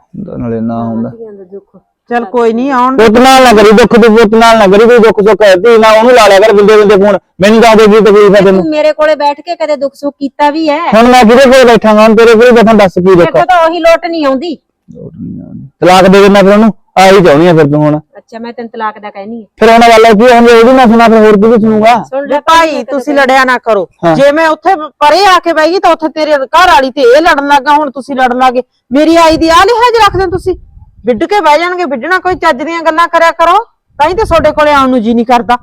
ਨਾਲੇ ਨਾ ਹੁੰਦਾ
ਚੱਲ ਕੋਈ ਨਹੀਂ ਆਉਣ
ਪੁੱਤ ਨਾਲ ਨਾ ਕਰੀ ਦੁੱਖ ਤੂੰ ਪੁੱਤ ਨਾਲ ਨਾ ਕਰੀ ਕੋਈ ਦੁੱਖ ਸੁੱਖ ਧੀ ਨਾ ਉਹਨੂੰ ਲਾ ਲਿਆ ਕਰ ਬਿੰਦੇ ਬਿੰਦੇ ਫੋਨ ਮੈਨੂੰ ਦੱਸ ਦੇ ਕੀ ਤਕਲੀਫ ਹੈ ਤੈਨੂੰ
ਤੂੰ ਮੇਰੇ ਕੋਲੇ ਬੈਠ ਕੇ ਕਦੇ ਦੁੱਖ ਸੁੱਖ ਕੀਤਾ ਵੀ ਹੈ
ਹੁਣ ਮੈਂ ਕਿਹਦੇ ਕੋਲ ਬੈਠਾਂਗਾ ਹੁਣ ਤੇਰੇ ਕੋਲ ਬੈਠਾ ਦੱਸ ਕੀ ਦੁੱਖ
ਦੇਖੋ ਤਾਂ ਉਹੀ ਲੋਟ ਨਹੀਂ ਆਉਂਦੀ
ਤਲਾਕ ਦੇ ਦੇਣਾ ਫਿਰ ਉਹਨੂੰ ਆਹੀ ਚਾਹੁੰਦੀ ਆ ਫਿਰ ਤੂੰ ਹੁਣ
ਅੱਛਾ ਮੈਂ ਤੈਨੂੰ ਤਲਾਕ ਦਾ ਕਹਿਨੀ ਹੈ
ਫਿਰ ਉਹਨਾਂ ਗੱਲ ਕੀ ਹੁਣ ਉਹਦੀ ਨਾ ਸੁਣਾ ਫਿਰ ਹੋਰ ਕੀ ਸੁਣੂਗਾ
ਸੁਣ
ਜੇ
ਲੈ
ਭਾਈ ਤੁਸੀਂ ਲੜਿਆ ਨਾ ਕਰੋ
ਹਾਂ।
ਜੇ ਮੈਂ ਉੱਥੇ ਪਰੇ ਆ ਕੇ ਬੈਗੀ ਤਾਂ ਉੱਥੇ ਤੇਰੇ ਘਰ ਵਾਲੀ ਤੇ ਇਹ ਲੜਨ ਲੱਗਾ ਹੁਣ ਤੁਸੀਂ ਲੜਨ ਲੱਗੇ ਮੇਰੀ ਆਈ ਦੀ ਆ ਲਿਹਾਜ਼ ਰੱਖਦੇ ਹੋ ਤੁਸੀਂ ਵਿੱਢ ਕੇ ਬਹਿ ਜਾਣਗੇ ਵਿੱਢਣਾ ਕੋਈ ਚੱਜ ਦੀਆਂ ਗੱਲਾਂ ਕਰਿਆ ਕਰੋ ਤਾਂ ਹੀ ਤੇ ਤੁਹਾਡੇ ਕੋਲੇ ਆਉਣ ਨੂੰ ਜੀ ਨਹੀਂ ਕਰਦਾ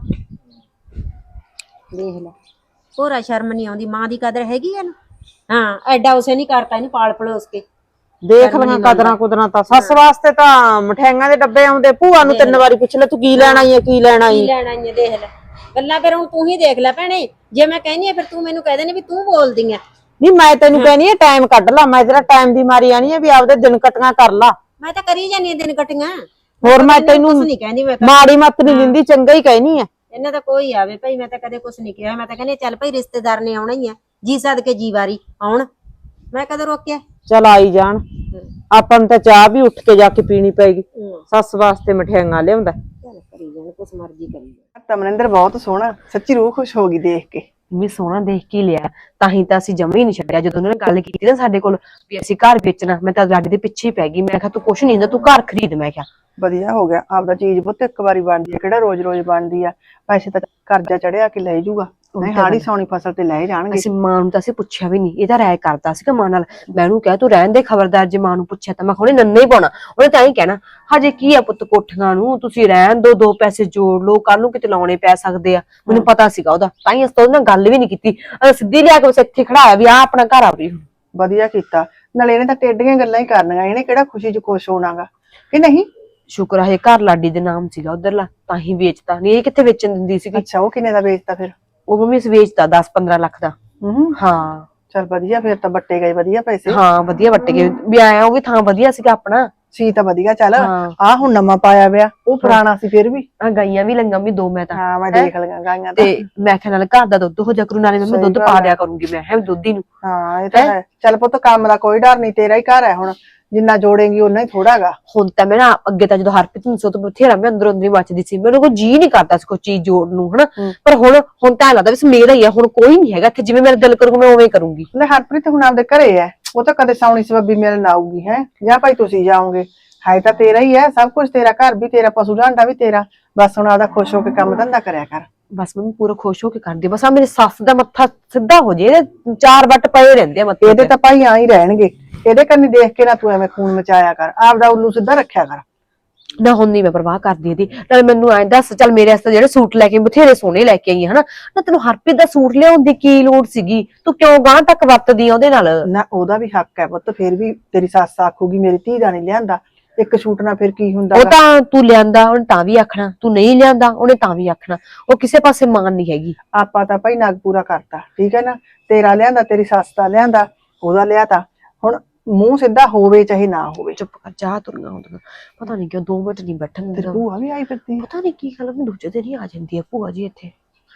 ਦੇਖ ਲੈ ਹੋਰਾ ਸ਼ਰਮ ਨਹੀਂ ਆਉਂਦੀ ਮਾਂ ਦੀ ਕਦਰ ਹੈਗੀ ਹੈ ਨਾ ਹਾਂ ਐਡਾ ਉਸੇ ਨਹੀਂ ਕਰਤਾ ਇਹਨੂੰ ਪਾਲ ਪਲੋਸ ਕੇ
ਦੇਖ ਲਈਆਂ ਕਦਰਾਂ ਕੁਦਰਾਂ ਤਾਂ ਸੱਸ ਵਾਸਤੇ ਤਾਂ ਮਠਿਆਈਆਂ ਦੇ ਡੱਬੇ ਆਉਂਦੇ ਭੂਆ ਨੂੰ ਤਿੰਨ ਵਾਰੀ ਪੁੱਛ ਲੈ ਤੂੰ ਕੀ ਲੈਣ ਆਈ ਹੈ ਕੀ ਲੈਣ
ਕੀ
ਆਈ
ਲੈਣਾ ਹੀ ਦੇਖ ਲੈ ਗੱਲਾਂ ਫਿਰ ਹੁਣ ਤੂੰ ਹੀ ਦੇਖ ਲੈ ਭੈਣੇ ਜੇ ਮੈਂ ਕਹਿੰਦੀ ਆ ਫਿਰ ਤੂੰ ਮੈਨੂੰ ਕਹਿ ਦੇਣੀ ਵੀ ਤੂੰ ਬੋਲਦੀ ਆ
ਨਹੀਂ ਮੈਂ ਤੈਨੂੰ ਕਹਿਨੀ ਆ ਟਾਈਮ ਕੱਢ ਲਾ ਮੈਂ ਤੇਰਾ ਟਾਈਮ ਦੀ ਮਾਰੀ ਆਣੀ ਆ ਵੀ ਆਪਦੇ ਦਿਨ ਕਟੀਆਂ ਕਰ ਲਾ
ਮੈਂ ਤਾਂ ਕਰੀ ਜਾਨੀ ਆ ਦਿਨ ਕਟੀਆਂ
ਹੋਰ ਮੈਂ ਤੈਨੂੰ
ਕੁਛ ਨਹੀਂ ਕਹਿੰਦੀ ਮੈਂ ਤਾਂ
ਮਾੜੀ ਮੱਤ ਨਹੀਂ ਦਿੰਦੀ ਚੰਗਾ ਹੀ ਕਹਿਨੀ ਆ
ਇਹਨਾਂ ਦਾ ਕੋਈ ਆਵੇ ਭਾਈ ਮੈਂ ਤਾਂ ਕਦੇ ਕੁਛ ਨਹੀਂ ਕਿਹਾ ਮੈਂ ਤਾਂ ਕਹਿੰਦੀ ਚੱਲ ਭਾਈ ਰਿਸ਼ਤੇਦਾਰ ਨੇ ਆਉਣਾ ਹੀ ਆ ਜੀ ਸਦਕੇ ਜੀ ਵਾਰੀ ਆਉਣ ਮੈਂ ਕਦੋਂ ਰੋਕਿਆ
ਚਲ ਆਈ ਜਾਣ ਆਪਾਂ ਨੂੰ ਤਾਂ ਚਾਹ ਵੀ ਉੱਠ ਕੇ ਜਾ ਕੇ ਪੀਣੀ ਪੈਗੀ ਸੱਸ ਵਾਸਤੇ ਮਠਿਆਈਆਂ ਲਿਆਉਂਦਾ
ਚੱਲ ਕਰੀ ਜਾਣ ਕੁਛ ਮਰਜ਼ੀ ਕਰੀ ਜਾਣ
ਤਾਂ ਮਨਿੰਦਰ ਬਹੁਤ ਸੋਹਣਾ ਸੱਚੀ ਰੂਹ ਖੁਸ਼ ਹੋ ਗਈ ਦੇਖ ਕੇ
ਵੀ ਸੋਹਣਾ ਦੇਖ ਕੇ ਲਿਆ ਤਾਂ ਹੀ ਤਾਂ ਅਸੀਂ ਜਮਾ ਹੀ ਨਹੀਂ ਛੱਡਿਆ ਜਦੋਂ ਉਹਨਾਂ ਨੇ ਗੱਲ ਕੀਤੀ ਨਾ ਸਾਡੇ ਕੋਲ ਵੀ ਅਸੀਂ ਘਰ ਵੇਚਣਾ ਮੈਂ ਤਾਂ ਲਾਡੀ ਦੇ ਪਿੱਛੇ ਹੀ ਪੈ ਗਈ ਮੈਂ ਕਿਹਾ ਤੂੰ ਕੁਛ ਨਹੀਂ ਹੁੰਦਾ ਤੂੰ ਘਰ ਖਰੀਦ ਮੈਂ ਕਿਹਾ
ਵਧੀਆ ਹੋ ਗਿਆ ਆਪਦਾ ਚੀਜ਼ ਪੁੱਤ ਇੱਕ ਵਾਰੀ ਬਣਦੀ ਹੈ ਕਿਹੜਾ ਰੋਜ਼ ਰੋਜ਼ ਬਣਦੀ ਆ ਪੈਸੇ ਤਾਂ ਕਰਜ਼ਾ ਚੜਿਆ ਕਿ ਲੈ ਜਾਊਗਾ ਨਹੀਂ ਹਾੜੀ ਸੌਣੀ ਫਸਲ ਤੇ ਲੈ ਜਾਣਗੇ
ਅਸੀਂ ਮਾਂ ਨੂੰ ਤਾਂ ਅਸੀਂ ਪੁੱਛਿਆ ਵੀ ਨਹੀਂ ਇਹਦਾ ਰਾਏ ਕਰਦਾ ਸੀਗਾ ਮਾਂ ਨਾਲ ਮੈਂ ਉਹਨੂੰ ਕਿਹਾ ਤੂੰ ਰਹਿਣ ਦੇ ਖਬਰਦਾਰ ਜੇ ਮਾਂ ਨੂੰ ਪੁੱਛਿਆ ਤਾਂ ਮੈਂ ਖੋਣੇ ਨੰਨਾ ਹੀ ਪਾਉਣਾ ਉਹਨੇ ਤਾਂ ਹੀ ਕਹਿਣਾ ਹਜੇ ਕੀ ਆ ਪੁੱਤ ਕੋਠੀਆਂ ਨੂੰ ਤੁਸੀਂ ਰਹਿਣ ਦੋ ਦੋ ਪੈਸੇ ਜੋੜ ਲਓ ਕੱਲ ਨੂੰ ਕਿਤੇ ਲਾਉਣੇ ਪੈ ਸਕਦੇ ਆ ਮੈਨੂੰ ਪਤਾ ਸੀਗਾ ਉਹਦਾ ਤਾਂ ਹੀ ਅਸੀਂ ਉਹਦੇ ਨਾਲ ਗੱਲ ਵੀ ਨਹੀਂ ਕੀਤੀ ਅਸੀਂ ਸਿੱਧੀ ਲਿਆ ਕੇ ਬਸ ਇੱਥੇ ਖੜਾਇਆ ਵੀ ਆ ਆਪਣਾ ਘਰ ਆ ਵੀ
ਵਧੀਆ ਕੀਤਾ ਨਾਲੇ ਇਹਨੇ ਤਾਂ ਟੇਡੀਆਂ ਗੱਲਾਂ ਹੀ ਕਰਨੀਆਂ ਇਹਨੇ ਕਿਹੜਾ ਖੁਸ਼ੀ ਚ ਖੁਸ਼ ਹੋਣਾਗਾ ਕਿ ਨਹੀਂ
ਸ਼ੁਕਰ ਹੈ ਘਰ ਲਾਡੀ ਦੇ ਨਾਮ ਸੀਗਾ ਉਧਰਲਾ ਤਾਂ ਹੀ ਵੇਚਤਾ ਨਹੀਂ ਇਹ ਕਿੱਥੇ ਵੇਚਣ ਦਿੰਦੀ ਸੀਗੀ
ਅੱਛਾ ਉਹ ਕਿੰਨੇ ਦਾ ਵੇਚਤਾ ਫਿਰ
ਉਹ ਮੰਮੀ ਅਸੀਂ ਵੇਚਤਾ ਦਸ ਪੰਦਰਾਂ ਲੱਖ ਦਾ
ਹੂੰ
ਹਾਂ
ਚਲ ਵਧੀਆ ਫਿਰ ਤਾਂ ਬੱਟੇ ਗਏ ਵਧੀਆ ਪੈਸੇ
ਹਾਂ ਵਧੀਆ ਵੱਟ ਗਏ ਵੀ ਆਇਆ ਉਹ ਵੀ ਥਾਂ ਵਧੀਆ ਸੀਗਾ ਆਪਣਾ
ਸੀ ਤਾਂ ਵਧੀਆ ਚੱਲ
ਹਾਂ।
ਆ ਹੁਣ ਨਵਾਂ ਪਾਇਆ ਵਿਆ ਉਹ ਪੁਰਾਣਾ ਸੀ ਫਿਰ ਵੀ
ਆ ਗਾਈਆਂ ਵੀ ਲੰਗਾ ਵੀ ਦੋ ਮੈਂ ਤਾਂ
ਹਾਂ ਮੈਂ ਦੇਖ ਲਈਆਂ ਗਾਈਆਂ ਤਾਂ
ਤੇ ਮੈਂ ਕਿਹਾ ਨਾਲ ਘਰ ਦਾ ਦੁੱਧ ਹੋ ਜਾ ਕਰੂ ਨਾਲੇ ਮੈਂ ਦੁੱਧ ਪਾ ਦਿਆ ਕਰੂੰਗੀ ਮੈਂ ਹੈ ਦੁੱਧ ਹੀ ਨੂੰ
ਹਾਂ ਇਹ ਤਾਂ ਹੈ ਚੱਲ ਪੁੱਤ ਕੰਮ ਦਾ ਕੋਈ ਡਰ ਨਹੀਂ ਤੇਰਾ ਹੀ ਘਰ ਹੈ ਹੁਣ ਜਿੰਨਾ ਜੋੜੇਂਗੀ ਉਹਨਾਂ ਹੀ ਥੋੜਾਗਾ
ਹੁਣ ਤਾਂ ਮੈਂ ਨਾ ਅੱਗੇ ਤਾਂ ਜਦੋਂ ਹਰਪ੍ਰੀਤ ਨੂੰ ਸੋ ਤੋਂ ਬਥੇਰਾ ਮੈਂ ਅੰਦਰੋਂ ਅੰਦਰੀ ਮੱਚਦੀ ਸੀ ਮੈਨੂੰ ਕੋਈ ਜੀ ਨਹੀਂ ਕਰਦਾ ਸੀ ਕੋਈ ਚੀਜ਼ ਜੋੜਨ ਨੂੰ ਹਨਾ ਪਰ ਹੁਣ ਹੁਣ ਤਾਂ ਲੱਗਦਾ ਵੀ ਮੇਰਾ ਹੀ ਆ ਹੁਣ ਕੋਈ ਨਹੀਂ ਹੈਗਾ ਇੱਥੇ ਜਿਵੇਂ ਮੇਰਾ ਦਿਲ ਕਰੂਗਾ ਮੈਂ ਉਵੇਂ ਕਰੂੰਗੀ
ਲੈ ਹਰਪ੍ਰੀਤ ਹੁਣ ਆਪਦੇ ਘਰੇ ਹੈ ਉਹ ਤਾਂ ਕਦੇ ਸੌਣੀ ਸਬੱਬੀ ਮਿਲਣ ਆਊਗੀ ਹੈ ਜਾਂ ਭਾਈ ਤੁਸੀਂ ਜਾਓਗੇ ਹੈ ਤਾਂ ਤੇਰਾ ਹੀ ਹੈ ਸਭ ਕੁਝ ਤੇਰਾ ਘਰ ਵੀ ਤੇਰਾ ਪਸ਼ੂ ਢਾਂਡਾ ਵੀ ਤੇਰਾ ਬਸ ਹੁਣ ਆਪਦਾ ਖੁਸ਼ ਹੋ ਕੇ ਕੰਮ ਧੰਦਾ ਕਰਿਆ ਕਰ
ਬਸ ਮੈਂ ਪੂਰਾ ਖੁਸ਼ ਹੋ ਕੇ ਕਰਦੀ ਬਸ ਆ ਮੇਰੀ ਸੱਸ ਦਾ ਮੱਥਾ ਸਿੱਧਾ ਹੋ ਜੇ ਇਹਦੇ ਚਾਰ ਵੱਟ ਪਏ ਰਹਿੰਦੇ ਆ ਮੱਥੇ
ਇਹਦੇ ਤਾਂ ਭਾਈ ਆ ਹੀ ਰਹਿਣਗੇ ਇਹਦੇ ਕੰਨੀ ਦੇਖ ਕੇ ਨਾ ਤੂੰ ਐਵੇਂ ਖੂਨ ਮਚਾਇਆ ਕਰ ਆਪਦਾ ਉੱਲੂ ਸਿੱਧਾ ਰੱਖਿਆ ਕਰ
ਨਾ ਹੁਣ ਨਹੀਂ ਮੈਂ ਪਰਵਾਹ ਕਰਦੀ ਇਹਦੀ ਨਾਲੇ ਮੈਨੂੰ ਐਂ ਦੱਸ ਚੱਲ ਮੇਰੇ ਵਾਸਤੇ ਜਿਹੜੇ ਸੂਟ ਲੈ ਕੇ ਬਥੇਰੇ ਸੋਹਣੇ ਲੈ ਕੇ ਆਈ ਹਨਾ ਨਾ ਤੈਨੂੰ ਹਰਪ੍ਰੀਤ ਦਾ ਸੂਟ ਲਿਆਉਣ ਦੀ ਕੀ ਲੋੜ ਸੀਗੀ ਤੂੰ ਕਿਉਂ ਗਾਂ ਤੱਕ ਵਰਤਦੀ ਆ ਉਹਦੇ ਨਾਲ
ਨਾ ਉਹਦਾ ਵੀ ਹੱਕ ਹੈ ਪੁੱਤ ਫਿਰ ਵੀ ਤੇਰੀ ਸੱਸ ਆਖੂਗੀ ਮੇਰੀ ਧੀ ਦਾ ਨਹੀਂ ਲਿਆਂਦਾ ਇੱਕ ਸੂਟ ਨਾਲ ਫਿਰ ਕੀ ਹੁੰਦਾ
ਉਹ ਤਾਂ ਤੂੰ ਲਿਆਂਦਾ ਉਹਨੇ ਤਾਂ ਵੀ ਆਖਣਾ ਤੂੰ ਨਹੀਂ ਲਿਆਂਦਾ ਉਹਨੇ ਤਾਂ ਵੀ ਆਖਣਾ ਉਹ ਕਿਸੇ ਪਾਸੇ ਮਾਨ ਨਹੀਂ ਹੈਗੀ
ਆਪਾਂ ਤਾਂ ਭਾਈ ਨਗ ਪੂਰਾ ਕਰਤਾ ਠੀਕ ਹੈ ਨਾ ਤੇਰਾ ਲਿਆਂਦਾ ਤੇਰੀ ਸੱਸ ਦਾ ਲਿਆਂਦਾ ਉਹਦਾ ਲਿਆਤਾ ਹੁਣ ਮੂੰਹ ਸਿੱਧਾ ਹੋਵੇ ਚਾਹੇ ਨਾ ਹੋਵੇ
ਚੁੱਪ ਕਰ ਜਾ ਤੁਰੀਆਂ ਹੁੰਦੀਆਂ ਪਤਾ ਨਹੀਂ ਕਿਉਂ ਦੋ ਮਿੰਟ ਨਹੀਂ ਬੈਠਣ
ਤੇਰੀ
ਦਿੰਦਾ
ਭੂਆ ਵੀ ਆਈ ਫਿਰਦੀ
ਪਤਾ ਨਹੀਂ ਕੀ ਗੱਲ ਮੈਂ ਦੂਜੇ ਦਿਨ ਹੀ ਆ ਜਾਂਦੀ ਹੈ ਭੂਆ ਜੀ ਇੱਥੇ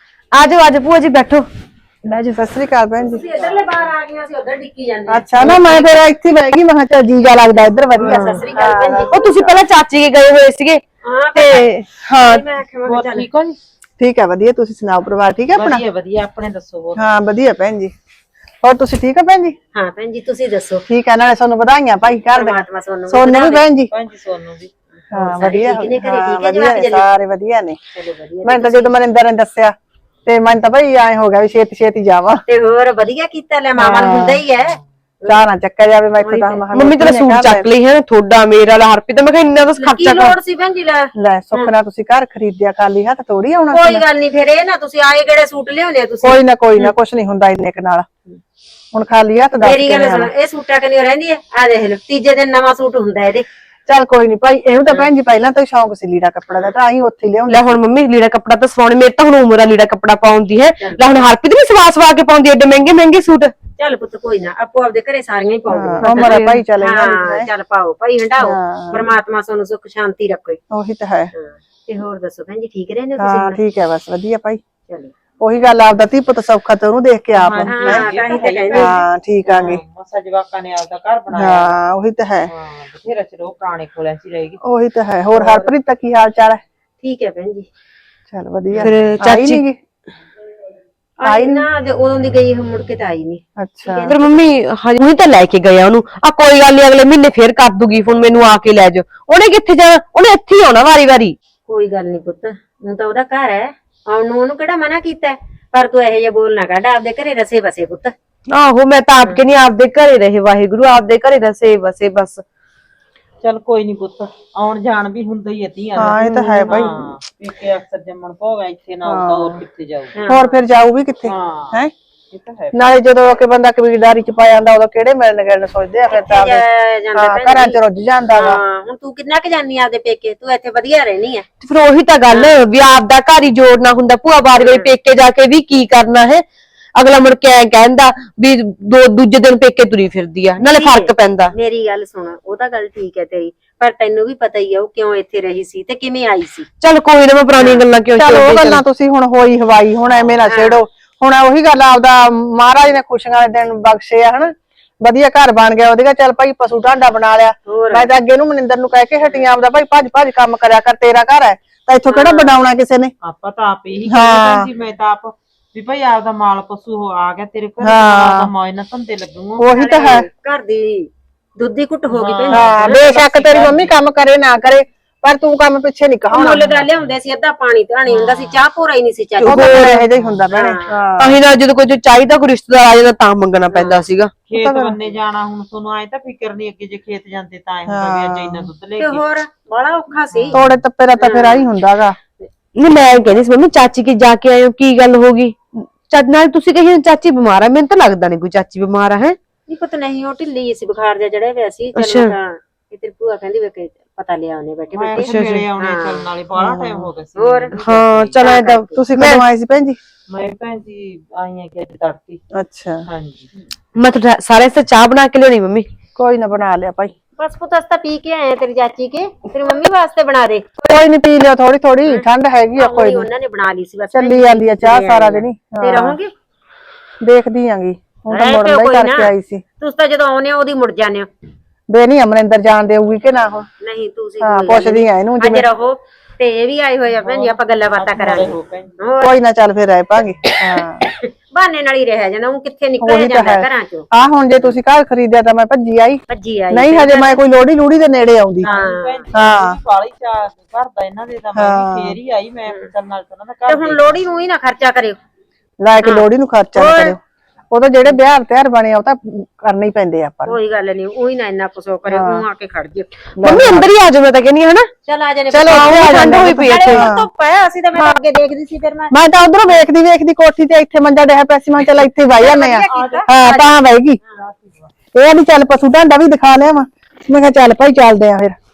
ਆ ਜਾਓ ਆ ਜਾਓ ਭੂਆ ਜੀ ਬੈਠੋ
ਲੈ ਜੀ ਸਤਿ ਸ੍ਰੀ ਅਕਾਲ ਭੈਣ ਜੀ
ਇਧਰਲੇ ਬਾਹਰ ਆ ਗਈਆਂ ਸੀ ਉਧਰ ਡਿੱਕੀ ਜਾਂਦੇ
ਅੱਛਾ ਨਾ ਮੈਂ ਫਿਰ ਇੱਥੇ ਬਹਿ ਗਈ ਮੈਂ ਕਿਹਾ ਚੱਲ ਜੀਗਾ ਲੱਗਦਾ ਇੱਧਰ ਵਧੀਆ
ਸਤਿ ਸ੍ਰੀ ਅਕਾਲ ਭੈਣ ਜੀ
ਉਹ ਤੁਸੀਂ ਪਹਿਲਾਂ ਚਾਚੀ ਕੇ ਗਏ ਹੋਏ ਸੀਗੇ
ਹਾਂ
ਤੇ ਹਾਂ
ਮੈਂ ਆਖਿਆ ਚੱਲ
ਠੀਕ ਹੋ ਜੀ
ਠੀਕ ਹੈ ਵਧੀਆ ਤੁਸੀਂ ਸੁਣਾਓ ਪਰਿਵਾਰ ਠੀਕ ਹੈ ਆਪਣਾ
ਵਧੀਆ ਵਧੀਆ ਆਪਣੇ ਦੱਸੋ ਹੋਰ
ਹਾਂ ਵਧੀਆ ਭੈਣ ਜੀ ਹੋਰ ਤੁਸੀਂ ਠੀਕ ਹੋ ਭੈਣ ਜੀ
ਹਾਂ ਭੈਣ ਜੀ ਤੁਸੀਂ ਦੱਸੋ
ਠੀਕ ਹੈ ਨਾਲੇ ਤੁਹਾਨੂੰ ਵਧਾਈਆਂ ਭਾਈ ਘਰ ਦੇ
ਪਰਮਾਤਮਾ ਤੁਹਾਨੂੰ
ਸੋਨੂੰ ਵੀ ਭੈਣ ਜੀ
ਭੈਣ ਜੀ ਸੋਨੂੰ ਵੀ
ਹਾਂ ਵਧੀਆ
ਠੀਕ ਨੇ ਘਰੇ,
ਹਾਂ,
ਠੀਕ ਹੈ ਜੀ,
ਵਧੀਆ
ਬਾਕੀ
ਨੇ, ਸਾਰੇ ਵਧੀਆ ਨੇ
ਚਲੋ ਵਧੀਆ
ਮੈਂ ਤਾਂ ਜਦੋਂ ਮਨਿੰਦਰ ਨੇ ਦੱਸਿਆ ਤੇ ਮਨ ਤਾਂ ਭਾਈ ਐ ਹੋ ਗਿਆ ਵੀ ਛੇਤੀ ਛੇਤੀ ਜਾਵਾਂ
ਤੇ ਹੋਰ ਵਧੀਆ ਕੀਤਾ ਲੈ ਮਾਮਾ ਨੂੰ ਹੁੰਦਾ ਹੀ ਹੈ
ਚਾਹ ਨਾ ਚੱਕਿਆ ਜਾਵੇ ਮੈਂ ਇੱਥੇ ਤਾਂ ਮਹਾਂ
ਮੰਮੀ ਤੇਰਾ ਸੂਟ ਚੱਕ ਲਈ ਹੈ ਥੋੜਾ ਮੇਰਾ ਲਾ ਹਰਪ੍ਰੀਤ ਮੈਂ ਕਿਹਾ ਇੰਨਾ ਤਾਂ
ਕੀ
ਖਰਚਾ ਕਰ
ਲੋੜ ਸੀ ਭੈਣ ਜੀ ਲੈ
ਲੈ ਸੁੱਖ ਨਾਲ ਤੁਸੀਂ ਘਰ ਖਰੀਦਿਆ ਖਾਲੀ ਹੱਥ ਥੋੜੀ ਆਉਣਾ ਸੀ
ਕੋਈ ਗੱਲ ਨਹੀਂ ਫਿਰ ਇਹ ਨਾ ਤੁਸੀਂ ਆਏ ਕਿਹੜੇ ਸੂਟ ਲਿਆਉਣੇ ਆ ਤੁਸੀਂ
ਕੋਈ ਨਾ ਕੋਈ ਨਾ ਕੁਛ ਨਹੀਂ ਹੁੰਦਾ ਇੰਨੇ ਕੁ ਨਾਲ ਹੁਣ ਖਾਲੀ ਹੱਥ ਦੱਸ
ਮੇਰੀ ਗੱਲ ਸੁਣ ਇਹ ਸੂਟਾਂ ਕਨੀ ਰਹਿੰਦੀ ਹੈ ਆ ਦੇਖ ਲਓ ਤੀਜੇ ਦਿਨ ਨਵਾਂ ਸੂਟ ਹੁੰਦਾ ਇਹਦੇ
ਚੱਲ ਕੋਈ ਨਹੀਂ ਭਾਈ ਇਹਨੂੰ ਤਾਂ ਭੈਣ ਜੀ ਪਹਿਲਾਂ ਤੋਂ ਹੀ ਸ਼ੌਂਕ ਸੀ ਲੀੜਾ ਕੱਪੜਾ ਦਾ ਤਾਂ ਅਸੀਂ ਉੱਥੇ ਹੀ ਲਿਆਉਂਦੇ
ਲੈ ਹੁਣ ਮੰਮੀ ਲੀੜਾ ਕੱਪੜਾ ਤਾਂ ਸਵਾਉਣੇ ਮੇਰੇ ਤਾਂ ਹੁਣ ਉਮਰ ਆ ਲੀੜਾ ਕੱਪੜਾ ਪਾਉਣ ਦੀ ਹੈ ਲੈ ਹੁਣ ਹਰਪ੍ਰੀਤ ਵੀ ਸਵਾ ਸਵਾ ਕੇ ਪਾਉਂਦੀ ਐਡੇ ਮਹਿੰਗੇ ਮਹਿੰਗੇ ਸੂਟ
ਚੱਲ ਪੁੱਤ ਕੋਈ ਨਾ ਆਪੋ ਆਪਦੇ ਘਰੇ ਸਾਰੀਆਂ ਹੀ ਪਾਉਂਦੀਆਂ
ਉਮਰ ਹੈ ਭਾਈ ਚੱਲ ਇਹਨਾਂ ਦੀ
ਹਾਂ ਚੱਲ ਪਾਓ ਭਾਈ ਹੰਡਾਓ ਪਰਮਾਤਮਾ ਤੁਹਾਨੂੰ ਸੁੱਖ ਸ਼ਾਂਤੀ ਰੱਖੇ
ਉਹੀ ਤਾਂ ਹੈ
ਹਾਂ ਤੇ ਹੋਰ ਦੱਸੋ ਭੈਣ ਜੀ ਠੀਕ ਰਹਿੰਦੇ ਹੋ
ਹਾਂ
ਤੁਸੀਂ
ਠੀਕ ਹੈ ਬਸ ਵਧੀਆ ਭਾਈ
ਚਲੋ
ਉਹੀ ਗੱਲ ਆਪਦਾ ਧੀ ਪੁੱਤ ਸੌਖਾ ਤੇ ਉਹਨੂੰ ਦੇਖ ਕੇ ਆਪ
ਹਾਂ ਤਾਂ ਹੀ ਤਾਂ ਕਹਿੰਦੇ
ਹਾਂ ਠੀਕ ਆਗੇ
ਮਸਾ ਜਵਾਕਾਂ ਨੇ ਆਪਦਾ ਘਰ ਬਣਾਇਆ
ਹਾਂ ਉਹੀ ਤਾਂ ਹੈ
ਹਾਂ ਬਥੇਰਾ ਚਿਰ ਉਹ ਪੁਰਾਣੇ ਕੋਲਿਆਂ 'ਚ ਹੀ ਰਹੇਗੀ
ਉਹੀ ਤਾਂ ਹੈ ਹੋਰ ਹਰਪ੍ਰੀਤ ਦਾ ਕੀ ਹਾਲ ਚਾਲ ਹੈ
ਠੀਕ ਹੈ ਭੈਣ ਜੀ।
ਚਲ ਵਧੀਆ
ਫਿਰ
ਆਈ
ਚਾਚੀ-
ਨੀ ਗੀ?
ਆਈ ਨਾ ਜੇ ਉਦੋਂ ਦੀ ਗਈ ਮੁੜ ਕੇ ਤਾਂ ਆਈ ਨਹੀਂ।
ਅੱਛਾ
ਫਿਰ ਮੰਮੀ ਹਜੇ ਉਹੀ ਤਾਂ ਲੈ ਕੇ ਗਏ ਆ ਉਹਨੂੰ ਆ ਕੋਈ ਗੱਲ ਨੀ ਅਗਲੇ ਮਹੀਨੇ ਫੇਰ ਕਰ ਦੂਗੀ ਫੋਨ ਮੈਨੂੰ ਆ ਕੇ ਲੈ ਜਾ ਉਹਨੇ ਕਿੱਥੇ ਜਾਣਾ ਉਹਨੇ ਇੱਥੇ ਹੀ ਆਉਣਾ ਵਾਰੀ ਵਾਰੀ
ਕੋਈ ਗੱਲ ਨਹੀਂ ਪੁੱਤ ਹੁਣ ਤਾਂ ਉਹਦਾ ਘਰ ਹੈ ਆਉਣ ਨੂੰ ਉਹਨੂੰ ਕਿਹੜਾ ਮਨਾ ਕੀਤਾ ਹੈ? ਪਰ ਤੂੰ ਇਹੋ ਜਿਹਾ ਬੋਲ ਨਾ ਕੱਢ ਆਪਦੇ ਘਰੇ ਰਸੇ ਬਸੇ ਪੁੱਤ।
ਆਹੋ ਮੈਂ ਤਾਂ ਆਪ ਕਹਿੰਦੀ ਆਪਦੇ ਘਰੇ ਰਹੇ ਵਾਹਿਗੁਰੂ ਆਪਦੇ ਘਰੇ ਰਸੇ ਬਸੇ ਬਸ।
ਚੱਲ ਕੋਈ ਨਹੀਂ ਪੁੱਤ ਆਉਣ ਜਾਣ ਵੀ ਹੁੰਦਾ ਹੀ ਧੀਆਂ ਦਾ।
ਹਾਂ ਇਹ ਤਾਂ ਹੈ ਭਾਈ
ਹਾਂ ਪੇਕੇ ਅਕਸਰ ਜੰਮਣ ਭੋਗਾ ਇੱਥੇ ਨਾ ਆਉਂਦਾ ਹੋਰ ਕਿੱਥੇ ਜਾਊ।
ਹੋਰ ਫਿਰ ਜਾਊ ਵੀ ਕਿੱਥੇ
ਹਾਂ
ਹੈ
ਇਹ ਤਾਂ ਹੈ
ਨਾਲੇ ਜਦੋਂ ਕਿ ਬੰਦਾ ਕਬੀਲਦਾਰੀ ਚ ਪਾ ਜਾਂਦਾ ਉਦੋਂ ਕਿਹੜੇ ਮਿਲਣ ਗਿਲਣ ਸੋਚਦੇ ਆ ਫਿਰ ਤਾਂ ਆਪਦੇ-
ਜਾ- ਜਾਂਦਾ
ਹਾਂ
ਭੈਣ
ਘਰਾਂ
ਜੀ।
ਚ ਰੁੱਝ ਜਾਂਦਾ ਵਾ
ਹਾਂ ਹੁਣ ਤੂੰ ਕਿੰਨਾ ਕੁ ਜਾਨੀ ਆਪਦੇ ਪੇਕੇ ਤੂੰ ਇੱਥੇ ਵਧੀਆ ਰਹਿਣੀ ਹੈ।
ਤੇ ਫਿਰ ਉਹੀ ਤਾਂ ਗੱਲ ਵੀ ਆਪਦਾ ਘਰ ਹੀ ਜੋੜਨਾ ਹੁੰਦਾ ਭੂਆ ਵਾਰੀ ਵਾਰੀ ਪੇਕੇ ਜਾ ਕੇ ਵੀ ਕੀ ਕਰਨਾ ਹੈ ਅਗਲਾ ਮੁੜ ਕੇ ਐ ਕਹਿੰਦਾ ਵੀ ਦੋ ਦੂਜੇ ਦਿਨ ਪੇਕੇ ਤੁਰੀ ਫਿਰਦੀ ਆ ਨਾਲੇ ਫਰਕ ਪੈਂਦਾ।
ਮੇਰੀ ਗੱਲ ਸੁਣ ਉਹ ਤਾਂ ਗੱਲ ਠੀਕ ਹੈ ਤੇਰੀ ਪਰ ਤੈਨੂੰ ਵੀ ਪਤਾ ਹੀ ਆ ਉਹ ਕਿਉਂ ਇੱਥੇ ਰਹੀ ਸੀ ਤੇ ਕਿਵੇਂ ਆਈ ਸੀ।
ਚੱਲ ਕੋਈ ਨਾ ਮੈਂ ਪੁਰਾਣੀਆਂ ਗੱਲਾਂ ਕਿਉਂ
ਚਲ ਉਹ
ਛੇੜਦੀ
ਗੱਲਾਂ ਤੁਸੀਂ ਹੁਣ ਹੋਈ ਹਵਾਈ ਹੁਣ ਐਵੇਂ ਨਾ ਛੇੜੋ ਹੁਣ ਉਹੀ ਗੱਲ ਆਪਦਾ ਮਹਾਰਾਜ ਨੇ ਖੁਸ਼ੀਆਂ ਦੇ ਦਿਨ ਬਖਸ਼ੇ ਆ ਹਨਾ ਵਧੀਆ ਘਰ ਬਣ ਗਿਆ ਉਹਦੇ ਚੱਲ ਭਾਈ ਪਸ਼ੂ ਢਾਂਡਾ ਬਣਾ ਲਿਆ
ਹੋਰ।
ਮੈਂ ਤਾਂ ਅੱਗੇ ਨੂੰ ਮਨਿੰਦਰ ਨੂੰ ਕਹਿ ਕੇ ਹਟੀਆਂ ਆਪਦਾ ਭਾਈ ਭੱਜ ਭੱਜ ਕੰਮ ਕਰਿਆ ਕਰ ਤੇਰਾ ਘਰ ਹੈ ਤਾਂ ਇੱਥੋਂ ਕਿਹੜਾ ਬਣਾਉਣਾ ਕਿਸੇ ਨੇ।
ਆਪਾਂ ਤਾਂ ਆਪ ਇਹੀ ਕਹਿੰਦੇ ਸੀ ਮੈਂ ਤਾਂ ਆਪ ਵੀ ਭਾਈ ਆਪਦਾ ਮਾਲ ਪਸ਼ੂ ਹੋ ਆ ਗਿਆ ਤੇਰੇ ਘਰ ਆਪਦਾ ਮੌਜ ਨਾਲ ਧੰਦੇ ਲੱਗੂਗਾ।
ਉਹੀ ਤਾਂ ਹੈ
ਘਰ ਦੀ ਦੁੱਧ ਦੀ ਘੁੱਟ ਹੋ ਗਈ ਭੈਣ
ਹਾਂ ਬੇਸ਼ੱਕ ਤੇਰੀ ਮੰਮੀ ਕੰਮ ਕਰੇ ਨਾ ਕਰੇ ਪਰ ਤੂੰ ਕੰਮ ਪਿੱਛੇ ਨਹੀਂ ਕਹਾਉਣਾ
ਮੁੱਲ ਦਾ ਲਿਆਉਂਦੇ ਸੀ ਅੱਧਾ ਪਾਣੀ ਧਾਣੀ ਹੁੰਦਾ ਸੀ ਚਾਹ ਪੂਰਾ ਹੀ ਨਹੀਂ ਸੀ ਚੱਲ
ਉਹ ਤਾਂ ਫਿਰ ਇਹੋ ਜਿਹਾ ਹੀ ਹੁੰਦਾ ਭੈਣੇ ਹਾਂ
ਅਸੀਂ ਨਾ ਜਦੋਂ ਕੋਈ ਚਾਹੀਦਾ ਕੋਈ ਰਿਸ਼ਤੇਦਾਰ ਆ ਜਾਂਦਾ ਤਾਂ ਮੰਗਣਾ ਪੈਂਦਾ ਸੀਗਾ।
ਖੇਤ ਬੰਨੇ ਜਾਣਾ ਹੁਣ ਤੁਹਾਨੂੰ ਆਏ ਤਾਂ ਫਿਕਰ ਨਹੀਂ ਅੱਗੇ ਜੇ ਖੇਤ ਜਾਂਦੇ ਤਾਂ ਐ ਹੁੰਦਾ ਵੀ ਅੱਜ ਇੰਨਾ ਦੁੱਧ ਲੈ
ਤੇ
ਕੇ
ਹੋਰ ਬੜਾ ਔਖਾ ਸੀ।
ਤੋੜੇ ਤੱਪੇ ਦਾ ਤਾਂ ਫਿਰ ਆਹੀ ਹੁੰਦਾਗਾ।
ਨਹੀਂ ਮੈਂ ਇਹ ਕਹਿੰਦੀ ਸੀ ਮੰਮੀ ਚਾਚੀ ਕੇ ਜਾ ਕੇ ਆਏ ਹੋ ਕੀ ਗੱਲ ਹੋ ਗਈ ਚੱਜ ਨਾਲ ਤੁਸੀਂ ਕਹੀ ਚਾਚੀ ਬਿਮਾਰ ਆ ਮੈਨੂੰ ਤਾਂ ਲੱਗਦਾ ਨਹੀਂ ਕੋਈ ਚਾਚੀ ਬਿਮਾਰ ਆ ਹੈ।
ਨਹੀਂ ਪਤਾ ਨਹੀਂ ਉਹ ਢਿੱਲੀ ਸੀ ਬੁਖਾਰ ਜਿਹਾ ਚੜਿਆ ਹੋਇਆ ਸੀ
ਅੱਛਾ।
ਚੱਲ ਤਾਂ ਇਹ ਤੇਰੀ ਭੂਆ ਕਹਿੰਦੀ ਵੇ ਕਿ ਪਤਾ ਲਿਆ ਉਹਨੇ ਬੈਠੇ
ਮੈਂ
ਬੈਠੇ
ਕਿਹਾ ਮੇਰੇ ਆਉਣੇ ਚੱਲਣ ਵਾਲੇ ਬੜਾ ਟਾਈਮ ਹੋ ਗਿਆ ਸੀ।
ਹੋਰ
ਹਾਂ ਚਲ ਐ ਤਾਂ
ਤੁਸੀਂ ਕਦੋਂ ਆਏ ਸੀ ਭੈਣ ਜੀ?
ਮੈਂ ਭੈਣ ਜੀ ਆਈ ਆ ਕਿ ਅੱਜ ਤੜਕੀ।
ਅੱਛਾ
ਹਾਂਜੀ
ਮੈਂ ਤਾਂ ਸਾਰੇ ਸੇ ਚਾਹ ਬਣਾ ਕੇ ਲਿਆਉਣੀ ਮੰਮੀ।
ਕੋਈ ਨਾ ਬਣਾ ਲਿਆ ਭਾਈ
ਬਸ ਪੁੱਤ ਅਸ ਤਾਂ ਪੀ ਕੇ ਆਏ ਆ ਤੇਰੀ ਚਾਚੀ ਕੇ ਤੇਰੀ ਮੰਮੀ ਵਾਸਤੇ ਬਣਾ ਦੇ।
ਕੋਈ ਨਹੀਂ ਪੀ ਲਿਓ ਥੋੜੀ ਥੋੜੀ ਠੰਡ ਹੈਗੀ ਆ ਕੋਈ
ਕੋਈ
ਨੀ
ਉਹਨਾਂ ਨੇ ਬਣਾ ਲਈ ਸੀ ਬਸ
ਚੱਲੀ ਜਾਂਦੀ ਆ ਚਾਹ ਸਾਰਾ ਦਿਨ ਹੀ
ਤੇ ਰਹੋਗੇ
ਦੇਖਦੀ ਆਂਗੀ ਹੁਣ ਤਾਂ
ਰਹਿ
ਮੁੜਨ
ਪਿਓ
ਦਾ ਹੀ
ਕੋਈ
ਕਰਕੇ
ਨਾ।
ਆਈ ਸੀ
ਤੁਸੀਂ ਤਾਂ ਜਦੋਂ ਆਉਨੇ ਹੋ ਉਹਦੀ ਮੁੜ ਜਾਂਦੇ ਹੋ।
ਬੇ ਨਹੀਂ ਅਮਰਿੰਦਰ ਜਾਣ ਦੇਊਗੀ ਕਿ ਨਾ ਹੁਣ
ਨਹੀਂ ਤੁਸੀਂ
ਹਾਂ
ਕੋਈ ਗੱਲ
ਪੁੱਛਦੀ ਆ ਇਹਨੂੰ
ਅੱਜ
ਜਿਵੇਂ
ਰਹੋ ਤੇ ਇਹ ਵੀ ਆਏ ਹੋਏ ਆ ਭੈਣ ਜੀ ਆਪਾਂ ਗੱਲਾਂ ਬਾਤਾਂ ਕਰਾਂਗੇ। ਹੋਰ
ਕੋਈ ਨਾ ਚੱਲ ਫਿਰ ਰਹਿ ਪਾਂਗੇ ਹਾਂ
ਬਹਾਨੇ ਨਾਲ ਹੀ ਰਹਿ ਜਾਂਦਾ ਉਹ ਕਿੱਥੇ ਨਿਕਲਿਆ
ਉਹੀ ਤਾਂ
ਜਾਂਦਾ
ਹੈ।
ਘਰਾਂ ਚੋਂ
ਆ ਹੁਣ ਜੇ ਤੁਸੀਂ ਘਰ ਖਰੀਦਿਆ ਤਾਂ ਮੈਂ ਭੱਜੀ ਆਈ
ਭੱਜੀ ਆਈ
ਨਹੀਂ ਹਜੇ ਮੈਂ ਕੋਈ ਲੋੜੀ ਲੂੜੀ ਦੇ ਨੇੜੇ ਆਉਂਦੀ
ਹਾਂ
ਹਾਂ
ਵਾਲੀ ਚਾਹ ਕਰਦਾ ਇਹਨਾਂ ਦੇ ਤਾਂ ਮੈਂ ਵੀ ਫੇਰ ਹੀ ਆਈ ਮੈਂ ਚੱਲ ਨਾਲ ਤਾਂ ਉਹਨਾਂ ਦਾ
ਤੇ
ਘਰ
ਹੁਣ ਲੋੜੀ ਨੂੰ ਹੀ ਨਾ ਖਰਚਾ ਕਰਿਓ।
ਲੈ ਕੇ ਲੋੜੀ ਨੂੰ ਖਰਚਾ ਨਾ ਕਰਿਓ ਉਹ ਤਾਂ ਜਿਹੜੇ ਵਿਆਹ ਤਿਆਰ ਬਣੇ ਆ ਉਹ ਤਾਂ ਕਰਨੇ ਹੀ ਪੈਂਦੇ ਆ ਆਪਾਂ ਨੂੰ।
ਕੋਈ ਗੱਲ ਨਹੀਂ ਉਹੀ ਨਾ ਇੰਨਾ ਕੁਛ ਉਹ ਕਰਿਓ ਉਹ ਆ ਕੇ ਖੜ ਜਿਓ।
ਮੰਮੀ ਅੰਦਰ ਹੀ ਆ ਜਾਓ ਮੈਂ ਤਾਂ ਕਹਿੰਦੀ ਹਨਾ।
ਚੱਲ ਆ ਜਾਣੇ
ਚਲੋ ਇੱਥੇ ਆ
ਠੰਡ
ਜਾਂਦੇ
ਹੋਈ ਪਈ ਇੱਥੇ।
ਧੁੱਪ ਹੈ ਅਸੀਂ ਤਾਂ ਮੈਂ ਅੱਗੇ ਦੇਖਦੀ ਸੀ ਫਿਰ ਮੈਂ
ਮੈਂ ਤਾਂ ਉਧਰੋਂ ਵੇਖਦੀ ਵੇਖਦੀ ਕੋਠੀ ਤੇ ਇੱਥੇ ਮੰਜਾ ਡਿਆ ਪਿਆ ਸੀ ਮੈਂ ਕਿਹਾ ਚੱਲ ਇੱਥੇ ਬਹਿ ਜਾਂਦੇ ਆ ਹਾਂ ਤਾਂ ਬਹਿ ਗਈ ਇਹ ਵੀ ਚੱਲ ਪਸ਼ੂ ਢਾਂਡਾ ਵੀ ਦਿਖਾ ਲਿਆ ਵਾ ਮੈਂ ਕਿਹਾ ਚੱਲ ਭਾਈ ਚੱਲਦੇ ਆ ਫਿਰ